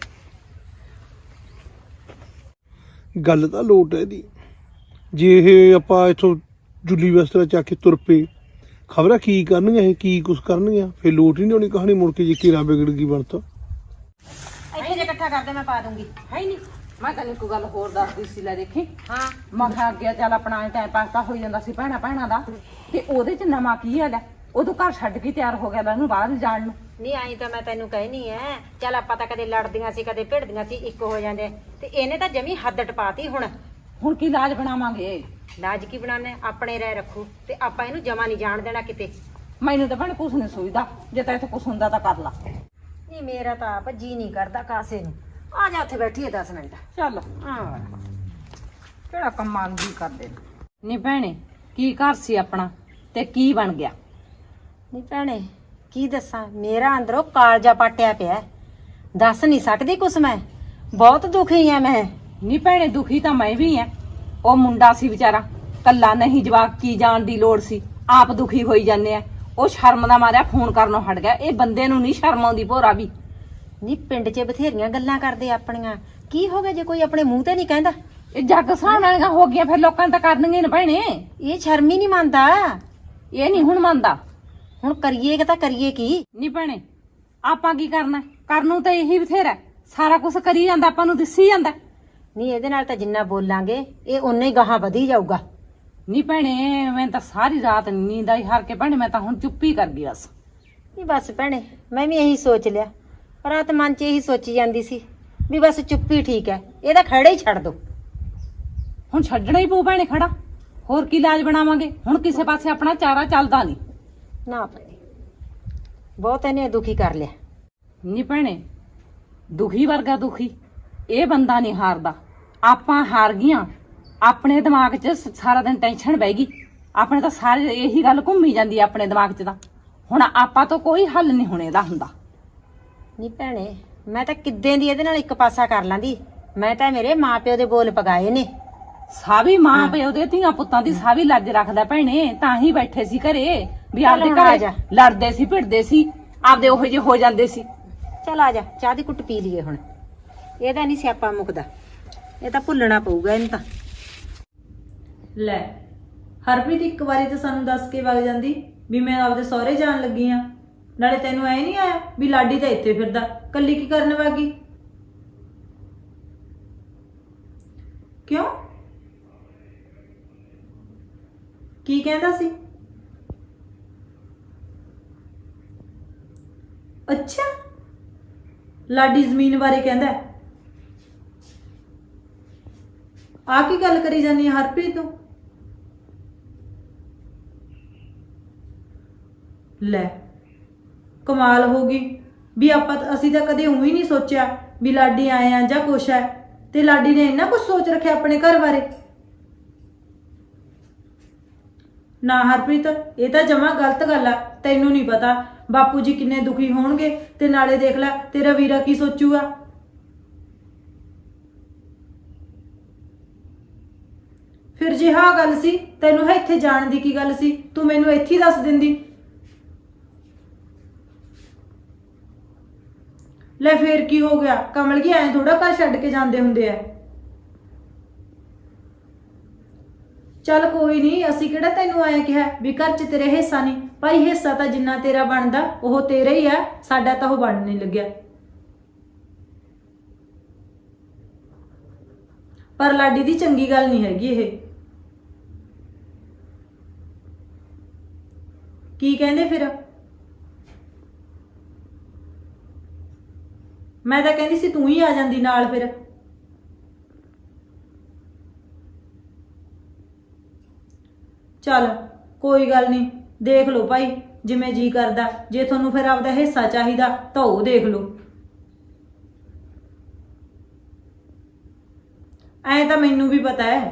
ਗੱਲ ਤਾਂ ਲੋਟ ਹੈ ਦੀ। ਜੇ ਇਹ ਆਪਾਂ ਇੱਥੋਂ ਜੁੱਲੀ ਵਸਤਰਾ ਚੱਕ ਕੇ ਤੁਰ ਪਏ, ਖਬਰਾਂ ਕੀ ਕਰਨਗੀਆਂ ਇਹ, ਕੀ ਕੁਛ ਕਰਨਗੀਆਂ, ਫਿਰ ਲੋਟ ਹੀ ਨਹੀਂ ਹੋਣੀ ਕਹਾਣੀ। ਮੁੜ ਕੇ ਜੇ ਕੀਰਾ ਵਿਗੜ ਗਈ ਬਣਤਾ। ਇੱਥੇ ਜੇ ਇਕੱਠਾ ਕਰਦੇ ਮੈਂ ਪਾ ਦੂੰਗੀ। ਹੈ ਹੀ ਨਹੀਂ। ਮੈਂ ਤੈਨੂੰ ਇੱਕ ਗੱਲ ਹੋਰ ਦੱਸਦੀ ਸੀ, ਲੈ ਦੇਖੀ। ਹਾਂ ਮੈਂ ਕਿਹਾ ਅੱਗੇ ਚੱਲ ਆਪਣਾ ਟਾਈਮ ਪਾਸ ਤਾਂ ਹੋਈ ਜਾਂਦਾ ਸੀ ਭੈਣਾਂ ਦਾ, ਤੇ ਉਹਦੇ ਚ ਨਵਾਂ ਕੀ ਹੈ ਲੈ, ਉਦੋਂ ਘਰ ਛੱਡ ਕੇ ਤਿਆਰ ਹੋ ਗਿਆ ਲੈ ਉਹਨੂੰ ਬਾਹਰ ਜਾਣ ਨੂੰ। ਨਹੀਂ ਆਈ ਤਾਂ ਮੈਂ ਤੈਨੂੰ ਕਹਿਨੀ ਐ, ਚੱਲ ਆਪਾਂ ਤਾਂ ਕਦੇ ਲੜਦੀਆਂ ਸੀ ਕਦੇ ਭਿੜਦੀਆਂ ਸੀ, ਇੱਕ ਹੋ ਜਾਂਦੇ, ਤੇ ਇਹਨੇ ਤਾਂ ਜਮੀ ਹੱਦ ਟਪਾਤੀ। ਹੁਣ ਕੀ ਲਾਜ ਬਣਾਵਾਂਗੇ? ਲਾਜ ਕੀ ਬਣਾਣੇ, ਆਪਣੇ ਰਹਿ ਰੱਖੂ, ਤੇ ਆਪਾਂ ਇਹਨੂੰ ਜਮਾ ਨਹੀਂ ਜਾਣ ਦੇਣਾ ਕਿਤੇ। ਮੈਨੂੰ ਤਾਂ ਭੈਣ ਕੁਛ ਨਹੀਂ ਸੋਚਦਾ, ਜੇ ਤਾਂ ਇੱਥੇ ਕੁਛ ਹੁੰਦਾ ਤਾਂ ਕਰ ਲਾ। ਨਹੀਂ ਮੇਰਾ ਤਾਂ ਆਪ ਜੀ ਨਹੀਂ ਕਰਦਾ ਕਾਸੇ ਨੂੰ। ਆ ਜਾ ਉੱਥੇ ਬੈਠੀਏ 10 ਮਿੰਟ। ਚੱਲ ਹਾਂ ਕਿਹੜਾ ਕੰਮਾਂ ਦੀ ਕਰਦੇ ਨਹੀਂ ਭੈਣੇ, ਕੀ ਘਰ ਸੀ ਆਪਣਾ ਤੇ ਕੀ ਬਣ ਗਿਆ? ਨਹੀਂ ਭੈਣੇ ਕੀ ਦੱਸਾਂ, ਮੇਰਾ ਅੰਦਰੋਂ ਕਾਲਜਾ ਪਾਟਿਆ ਪਿਆ। ਦੱਸ ਨਹੀਂ ਸਕਦੀ ਕੁਛ, ਮੈਂ ਬਹੁਤ ਦੁਖੀ ਆ ਮੈਂ। ਨਹੀਂ ਭੈਣੇ ਦੁਖੀ ਤਾਂ ਮੈਂ ਵੀ ਐ। ਉਹ ਮੁੰਡਾ ਸੀ ਵਿਚਾਰਾ ਕੱਲਾ, ਨਹੀਂ ਜਵਾਕ ਕੀ ਜਾਣ ਦੀ ਲੋੜ ਸੀ, ਆਪ ਦੁਖੀ ਹੋਈ ਜਾਂਦੇ ਆ। ਉਹ ਸ਼ਰਮ ਦਾ ਮਾਰਿਆ ਫੋਨ ਕਰਨੋਂ ਹਟ ਗਿਆ। ਇਹ ਬੰਦੇ ਨੂੰ ਨਹੀਂ ਸ਼ਰਮ ਆਉਂਦੀ ਭੋਰਾ ਵੀ। ਨੀ ਪਿੰਡ 'ਚ ਬਥੇਰੀਆਂ ਗੱਲਾਂ ਕਰਦੇ ਆਪਣੀਆਂ, ਕੀ ਹੋ ਗਿਆ ਜੇ ਕੋਈ ਆਪਣੇ ਮੂੰਹ ਤੇ ਨਹੀਂ ਕਹਿੰਦਾ? ਇਹ ਜੱਗ ਸਾਹਣ ਵਾਲੀਆਂ ਹੋ ਗਈਆਂ, ਫਿਰ ਲੋਕਾਂ ਨੇ ਤਾਂ ਕਰਨਗੇ ਹੀ ਨਾ ਭੈਣੇ। ਇਹ ਸ਼ਰਮ ਹੀ ਨਹੀਂ ਮੰਨਦਾ। ਇਹ ਨਹੀਂ ਹੁਣ ਮੰਨਦਾ। ਹੁਣ ਕਰੀਏ ਕਿ ਤਾਂ ਕਰੀਏ ਕੀ? ਨਹੀਂ ਭੈਣੇ, ਆਪਾਂ ਕੀ ਕਰਨਾ? ਕਰਨ ਨੂੰ ਤਾਂ ਇਹੀ ਬਥੇਰਾ, ਸਾਰਾ ਕੁਝ ਕਰੀ ਜਾਂਦਾ, ਆਪਾਂ ਨੂੰ ਦਿਸੀ ਜਾਂਦਾ। ਨਹੀਂ ਇਹਦੇ ਨਾਲ ਤਾਂ ਜਿੰਨਾ ਬੋਲਾਂਗੇ ਇਹ ਓਨਾ ਹੀ ਗਾਹਾਂ ਵਧੀ ਜਾਊਗਾ। ਨਹੀਂ ਭੈਣੇ, ਮੈਂ ਤਾਂ ਸਾਰੀ ਰਾਤ ਨੀਂਦ ਆਈ ਹਾਰ ਕੇ ਭੈਣੇ, ਮੈਂ ਤਾਂ ਹੁਣ ਚੁੱਪ ਹੀ ਕਰ ਗਈ ਬਸ। ਨਹੀਂ ਬਸ ਭੈਣੇ, ਮੈਂ ਵੀ ਇਹੀ ਸੋਚ ਲਿਆ, ਰਾਤ ਮਨ 'ਚ ਇਹੀ ਸੋਚੀ ਜਾਂਦੀ ਸੀ ਵੀ ਬਸ ਚੁੱਪੀ ਠੀਕ ਹੈ, ਇਹਦਾ ਖੜਾ ਹੀ ਛੱਡ ਦੋ। ਹੁਣ ਛੱਡਣਾ ਹੀ ਪਊ ਭੈਣੇ ਖੜਾ, ਹੋਰ ਕੀ ਇਲਾਜ ਬਣਾਵਾਂਗੇ? ਹੁਣ ਕਿਸੇ ਪਾਸੇ ਆਪਣਾ ਚਾਰਾ ਚੱਲਦਾ ਨਹੀਂ। ਨਾ ਭੈਣੇ, ਬਹੁਤ ਇਹਨੇ ਦੁਖੀ ਕਰ ਲਿਆ। ਨਹੀਂ ਭੈਣੇ, ਦੁਖੀ ਵਰਗਾ ਦੁਖੀ ਇਹ ਬੰਦਾ ਨਹੀਂ ਹਾਰਦਾ, ਆਪਾਂ ਹਾਰ ਗਈਆਂ। ਆਪਣੇ ਦਿਮਾਗ 'ਚ ਸਾਰਾ ਦਿਨ ਟੈਨਸ਼ਨ ਬਹਿ ਗਈ, ਆਪਣੇ ਤਾਂ ਸਾਰੇ ਇਹੀ ਗੱਲ ਘੁੰਮੀ ਜਾਂਦੀ ਆ ਆਪਣੇ ਦਿਮਾਗ 'ਚ। ਤਾਂ ਹੁਣ ਆਪਾਂ ਤੋਂ ਕੋਈ ਹੱਲ ਨਹੀਂ ਹੁਣ ਇਹਦਾ ਹੁੰਦਾ। ਨਹੀਂ ਭੈਣੇ, ਮੈਂ ਤਾਂ ਕਿੱਦਾਂ ਦੀ ਇਹਦੇ ਨਾਲ ਇੱਕ ਪਾਸਾ ਕਰ ਲਾਂਦੀ। ਮੈਂ ਤਾਂ ਮੇਰੇ ਮਾਪਿਓ ਦੇ ਬੋਲ ਪਗਾਏ ਨੇ। ਸਾਵੀ ਮਾਂ ਪਿਓ ਦੇ ਧੀਆਂ ਪੁੱਤਾਂ ਦੀ ਸਾਵੀ ਲੱਜ ਰੱਖਦਾ ਭੈਣੇ, ਤਾਂ ਹੀ ਬੈਠੇ ਸੀ ਘਰੇ ਵੀ ਚੱਲ ਆਪਦੇ ਹੁਣ ਆ ਘਰੇ ਜਾ। ਲੜਦੇ ਸੀ ਭਿੜਦੇ ਸੀ, ਆਪਦੇ ਉਹੋ ਜਿਹੇ ਹੋ ਜਾਂਦੇ ਸੀ। ਚੱਲ ਆ ਜਾ, ਚਾਹ ਦੀ ਕੁੱਟ ਪੀ ਲਈਏ ਹੁਣ। ਇਹਦਾ ਨਹੀਂ ਸਿਆਪਾ ਮੁੱਕਦਾ, ਇਹ ਤਾਂ ਭੁੱਲਣਾ ਪਊਗਾ ਇਹਨੂੰ ਤਾਂ। ਲੈ ਹਰਪ੍ਰੀਤ, ਇੱਕ ਵਾਰੀ ਤਾਂ ਸਾਨੂੰ ਦੱਸ ਕੇ ਵਗ ਜਾਂਦੀ ਵੀ ਮੈਂ ਆਪਦੇ ਸਹੁਰੇ ਜਾਣ ਲੱਗੀ ਆ। ਨਾਲੇ ਤੈਨੂੰ ਐ ਨਹੀਂ ਆਇਆ ਵੀ ਲਾਡੀ ਤਾਂ ਇੱਥੇ ਫਿਰਦਾ, ਕੱਲੀ ਕੀ ਕਰਨ ਵਾਗੀ? ਕਿਉਂ? ਕੀ ਕਹਿੰਦਾ ਸੀ? ਅੱਛਾ, ਲਾਡੀ ਜ਼ਮੀਨ ਬਾਰੇ ਕਹਿੰਦਾ। ਆ ਕੀ ਗੱਲ ਕਰੀ ਜਾਨੀ ਹੈ ਹਰਪ੍ਰੀਤ ਤੂੰ? ਲੈ ਕਮਾਲ ਹੋ ਗਈ ਵੀ ਅਸੀਂ ਤਾਂ ਕਦੇ ਉਹੀ ਨਹੀਂ ਸੋਚਿਆ ਵੀ ਲਾਡੀ ਆਏ ਆ ਜਾਂ ਕੁਛ ਹੈ, ਤੇ ਲਾਡੀ ਨੇ ਇੰਨਾ ਕੁਝ ਸੋਚ ਰੱਖਿਆ ਆਪਣੇ ਘਰ ਬਾਰੇ। ਨਾ ਹਰਪ੍ਰੀਤ, ਇਹ ਤਾਂ ਜਮਾਂ ਗਲਤ ਗੱਲ ਆ। ਤੈਨੂੰ ਨਹੀਂ ਪਤਾ ਬਾਪੂ ਜੀ ਕਿੰਨੇ ਦੁਖੀ ਹੋਣਗੇ, ਤੇ ਨਾਲੇ ਦੇਖ ਲੈ ਤੇਰਾ ਵੀਰਾ ਕੀ ਸੋਚੂਗਾ। ਫਿਰ ਜੇ ਹਾਂ ਗੱਲ ਸੀ, ਤੈਨੂੰ ਇੱਥੇ ਜਾਣ ਦੀ ਕੀ ਗੱਲ ਸੀ? ਤੂੰ ਮੈਨੂੰ ਇੱਥੇ ਹੀ ਦੱਸ ਦਿੰਦੀ। ਲੈ ਫੇਰ ਕੀ ਹੋ ਗਿਆ? ਕਮਲ ਕੀ ਐਂ ਥੋੜਾ ਘਰ ਛੱਡ ਕੇ ਜਾਂਦੇ ਹੁੰਦੇ ਆ। ਚੱਲ ਕੋਈ ਨਹੀਂ, ਅਸੀਂ ਕਿਹੜਾ ਤੈਨੂੰ ਆਇਆ ਕਿਹਾ ਵੀ ਘਰ 'ਚ ਤੇਰੇ ਹਿੱਸਾ ਨਹੀਂ। ਭਾਈ ਹਿੱਸਾ ਤਾਂ ਜਿੰਨਾ ਤੇਰਾ ਬਣਦਾ ਉਹ ਤੇਰਾ ਹੀ ਆ, ਸਾਡਾ ਤਾਂ ਉਹ ਬਣ ਨਹੀਂ ਲੱਗਿਆ। ਪਰ ਲਾਡੀ ਦੀ ਚੰਗੀ ਗੱਲ ਨਹੀਂ ਹੈਗੀ ਇਹ। ਕੀ ਕਹਿੰਦੇ ਫਿਰ? ਮੈਂ ਤਾਂ ਕਹਿੰਦੀ ਸੀ ਤੂੰ ਹੀ ਆ ਜਾਂਦੀ ਨਾਲ ਫਿਰ। ਚੱਲ ਕੋਈ ਗੱਲ ਨਹੀਂ, ਦੇਖ ਲਓ ਭਾਈ ਜਿਵੇਂ ਜੀ ਕਰਦਾ। ਜੇ ਤੁਹਾਨੂੰ ਫਿਰ ਆਪਦਾ ਹਿੱਸਾ ਚਾਹੀਦਾ ਤਾਂ ਉਹ ਦੇਖ ਲਓ। ਐ ਤਾਂ ਮੈਨੂੰ ਵੀ ਪਤਾ ਹੈ।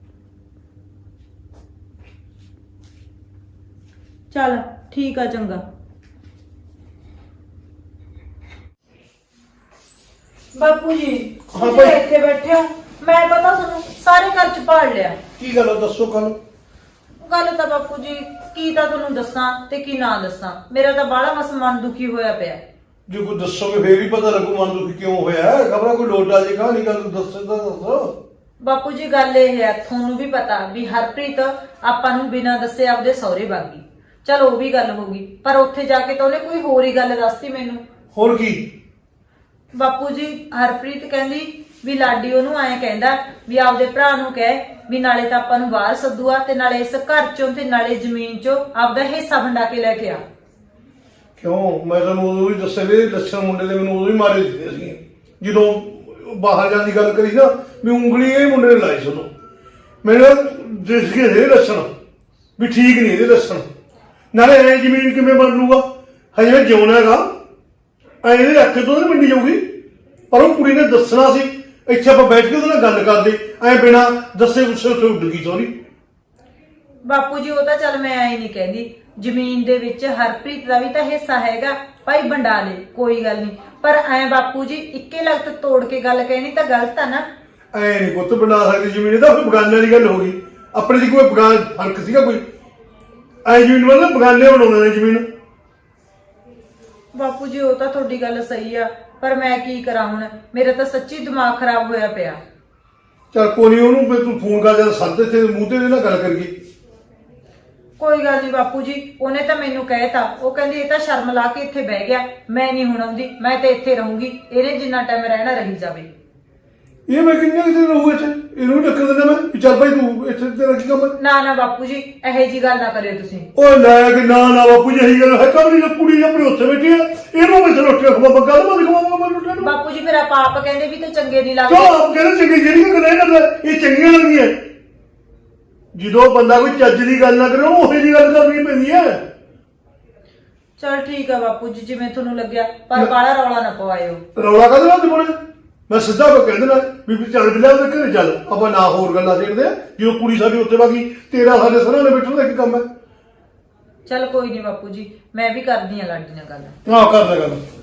ਚੱਲ ਠੀਕ ਆ, ਚੰਗਾ। ਬਾਪੂ ਜੀ ਹਾਂ ਭਾਈ। ਇੱਥੇ ਬੈਠੇ ਹੋ, ਮੈਂ ਪਤਾ ਤੁਹਾਨੂੰ ਸਾਰੇ ਘਰ ਚ ਭਾਲ ਲਿਆ। ਕੀ ਗੱਲ ਆ, ਦੱਸੋ ਗੱਲ। ਗੱਲ ਤਾਂ ਬਾਪੂ ਜੀ ਕੀ ਤਾਂ ਤੁਹਾਨੂੰ ਦੱਸਾਂ ਤੇ ਕੀ ਨਾ ਦੱਸਾਂ, ਮੇਰਾ ਤਾਂ ਬਾਹਲਾ ਮਸ ਮਨ ਦੁਖੀ ਹੋਇਆ ਪਿਆ। ਜੇ ਕੋਈ ਦੱਸੋਗੇ ਫੇਰ ਹੀ ਪਤਾ ਲੱਗੂ ਮਨ ਦੁਖੀ ਕਿਉਂ ਹੋਇਆ। ਖਬਰਾਂ ਕੋਈ ਲੋਟਾ ਜੀ ਕਹਾਣੀ ਗੱਲ ਦੱਸੋ ਤਾਂ ਦੱਸੋ। ਬਾਪੂ ਜੀ ਗੱਲ ਇਹ ਹੈ, ਤੁਹਾਨੂੰ ਵੀ ਪਤਾ ਵੀ ਹਰਪ੍ਰੀਤ ਆਪਾਂ ਨੂੰ ਬਿਨਾਂ ਦੱਸੇ ਆਪਦੇ ਸਹੁਰੇ ਬਾਗੀ। ਚਲ ਉਹ ਵੀ ਗੱਲ ਹੋ ਗਈ, ਪਰ ਉੱਥੇ ਜਾ ਕੇ ਤਾਂ ਉਹਨੇ ਕੋਈ ਹੋਰ ਹੀ ਗੱਲ ਦੱਸਤੀ ਮੈਨੂੰ। ਹੋਰ ਕੀ? ਬਾਪੂ ਜੀ ਹਰਪ੍ਰੀਤ ਕਹਿੰਦੀ ਵੀ ਲਾਡੀ ਉਹਨੂੰ ਐਂ ਕਹਿੰਦਾ ਵੀ ਆਪਦੇ ਭਰਾ ਨੂੰ ਕਹਿ ਵੀ ਨਾਲੇ ਤਾਂ ਆਪਾਂ ਨੂੰ ਬਾਹਰ ਸੱਦੂਆ, ਤੇ ਨਾਲੇ ਇਸ ਘਰ ਚੋਂ ਤੇ ਨਾਲੇ ਜ਼ਮੀਨ ਚੋਂ ਆਪਦਾ ਹਿੱਸਾ ਵੰਡਾ ਕੇ ਲੈ ਕੇ ਆ। ਕਿਉਂ? ਮੈਂ ਤੁਹਾਨੂੰ ਉਦੋਂ ਵੀ ਦੱਸਿਆ ਵੀ ਲੱਛਣ ਮੁੰਡੇ ਦੇ ਮੈਨੂੰ ਉਦੋਂ ਹੀ ਮਾਰੇ ਦਿੱਤੇ ਸੀ। ਜਦੋਂ ਬਾਹਰ ਜਾਣ ਦੀ ਗੱਲ ਕਰੀ ਨਾ, ਵੀ ਉਂਗਲੀ ਇਹ ਮੁੰਡੇ ਨੇ ਲਾਈ ਸੁਣੋ। ਮੈਨੂੰ ਦਿਸ ਗਏ ਇਹ ਲੱਛਣ ਵੀ ਠੀਕ ਨਹੀਂ ਇਹਦੇ ਲੱਛਣ। ਨਾਲੇ ਐ ਜ਼ਮੀਨ ਕਿਵੇਂ ਬਣ ਲੂਗਾ? ਹਜੇ ਮੈਂ ਜਿਉਣਾ ਹੈਗਾ, ਐ ਇਹਦੇ ਅੱਖੇ ਤੋਂ ਨਹੀਂ ਮੰਡੀ ਜਾਊਗੀ। ਪਰ ਉਹ ਕੁੜੀ ਨੇ ਦੱਸਣਾ ਸੀ, ਇੱਥੇ ਆਪਾਂ ਬੈਠ ਕੇ ਉਹਦੇ ਨਾਲ ਗੱਲ ਕਰਦੇ, ਐ ਬਿਨਾਂ ਦੱਸੇ ਗੁੱਸੇ ਉੱਥੇ ਉੱਡ ਗਈ ਸੋਰੀ। ਬਾਪੂ ਜੀ ਉਹ ਤਾਂ ਚੱਲ ਮੈਂ ਐ ਨਹੀਂ ਕਹਿੰਦੀ, ਜ਼ਮੀਨ ਦੇ ਵਿੱਚ ਹਰਪ੍ਰੀਤ ਦਾ ਵੀ ਤਾਂ ਹਿੱਸਾ ਹੈਗਾ, ਭਾਈ ਵੰਡਾ ਲੇ ਕੋਈ ਗੱਲ ਨਹੀਂ। ਪਰ ਐ ਬਾਪੂ ਜੀ ਇੱਕੇ ਲਗਤ ਤੋੜ ਕੇ ਗੱਲ ਕਹਿਣੀ ਤਾਂ ਗਲਤ ਆ ਨਾ। ਐ ਨਹੀਂ ਪੁੱਤ ਬਣਾ ਸਕਦੀ ਜ਼ਮੀਨ, ਇਹ ਤਾਂ ਕੋਈ ਬਗਾਨੇ ਦੀ ਗੱਲ ਹੋ ਗਈ। ਆਪਣੇ ਦੀ ਕੋਈ ਬਗਾਨ ਫਰਕ ਸੀਗਾ ਕੋਈ? ਐ ਜ਼ਮੀਨ ਮਤਲਬ ਬਗਾਨੇ ਬਣਾਉਂਦੇ ਨੇ ਜ਼ਮੀਨ। ਬਾਪੂ ਜੀ ਉਹ ਤਾਂ ਤੁਹਾਡੀ ਗੱਲ ਸਹੀ ਆ, ਪਰ ਮੈਂ ਕੀ ਕਰਾਂ ਹੁਣ, ਮੇਰਾ ਤਾਂ ਸੱਚੀ ਦਿਮਾਗ ਖਰਾਬ ਹੋਇਆ ਪਿਆ। ਚੱਲ ਕੋਈ ਨੀ, ਉਹਨੂੰ ਫਿਰ ਤੂੰ ਫੋਨ ਕਰ ਜਦ ਸੱਦ ਤੇ ਮੂੰਹ ਤੇ ਇਹਦੇ ਨਾਲ ਗੱਲ ਕਰੀਏ। ਕੋਈ ਗੱਲ ਨਹੀਂ ਬਾਪੂ ਜੀ, ਉਹਨੇ ਤਾਂ ਮੈਨੂੰ ਕਹਿਤਾ, ਉਹ ਕਹਿੰਦੀ ਇਹ ਤਾਂ ਸ਼ਰਮ ਲਾ ਕੇ ਇੱਥੇ ਬਹਿ ਗਿਆ, ਮੈਂ ਨਹੀਂ ਹੁਣ ਆਉਂਦੀ, ਮੈਂ ਤਾਂ ਇੱਥੇ ਰਹੂੰਗੀ, ਇਹਨੇ ਜਿੰਨਾ ਟਾਈਮ ਰਹਿਣਾ ਰਹੀ ਜਾਵੇ। ਇਹ ਮੈਂ ਕਿੰਨੇ ਕੁ ਦਿਨ ਰਹੂਗਾ ਇੱਥੇ? ਇਹਨੂੰ ਵੀ ਟੱਕਰ ਦਿੰਦਾ ਮੈਂ ਵੀ ਚੱਲ ਭਾਈ ਤੂੰ ਇੱਥੇ ਤੇਰਾ ਕੀ ਕੰਮ ਹੈ? ਨਾ ਬਾਪੂ ਜੀ, ਇਹੋ ਜੀ ਗੱਲ ਨਾ ਕਰਿਓ ਤੁਸੀਂ। ਓਏ ਲੈ ਕੇ ਨਾ ਬਾਪੂ ਜੀ ਇਹੀ ਗੱਲ ਹੈ, ਕਬਰੀ ਦੀ ਕੁੜੀ ਆਪਣੀ ਉੱਥੇ ਬੈਠੀ ਹੈ, ਇਹਨੂੰ ਮੈਂ ਰੋਟੀ ਖਵਾ ਗੱਲ ਮੈਂ ਦਿਖਾਵਾਂਗਾ ਮੈਂ ਰੋਟੀ ਨੂੰ। ਬਾਪੂ ਜੀ ਮੇਰਾ ਪਾਪ ਕਹਿੰਦੇ ਵੀ ਤੂੰ ਚੰਗੇ ਨਹੀਂ ਕਿਉਂ ਲੱਗਦੇ। ਆਪ ਕਹਿੰਦੇ ਚੰਗੀ ਜਿਹੜੀਆਂ ਗੱਲਾਂ ਇਹ ਕਰਦਾ ਇਹ ਚੰਗੀਆਂ ਲੱਗਦੀਆਂ। ਜਦੋਂ ਬੰਦਾ ਕੋਈ ਚੱਜ ਦੀ ਗੱਲ ਨਾ ਕਰੇ ਉਹਨੂੰ ਉਹੀ ਜੀ ਗੱਲ ਕਰਨੀ ਪੈਂਦੀ ਹੈ। ਚਲ ਠੀਕ ਆ ਬਾਪੂ ਜੀ, ਜਿਵੇਂ ਤੁਹਾਨੂੰ ਲੱਗਿਆ, ਪਰ ਬਾਹਲਾ ਰੌਲਾ ਨਾ ਪਵਾਇਓ। ਰੌਲਾ ਕਾਹਦੇ ਨਾਲ ਦਿਵਾਉਣਾ? ਮੈਂ ਸਿੱਧਾ ਕਹਿ ਦੇਣਾ ਵੀ ਚੱਲ ਬਿਲਾ ਉਹਦੇ ਘਰੇ ਚੱਲ, ਆਪਾਂ ਨਾ ਹੋਰ ਗੱਲਾਂ ਦੇਖਦੇ ਆ। ਜਦੋਂ ਕੁੜੀ ਸਾਡੀ ਉੱਥੇ ਬਾਗੀ, ਤੇਰਾ ਸਾਡੇ ਸਰਾਂ ਨੇ ਬੈਠਣ ਦਾ ਕੀ ਕੰਮ ਹੈ? ਚਲ ਕੋਈ ਨਹੀਂ ਬਾਪੂ ਜੀ, ਮੈਂ ਵੀ ਕਰਦੀ ਆ ਲਾਡੀ ਨਾਲ ਗੱਲ। ਆਹ ਕਰ ਲੈ ਗੱਲ।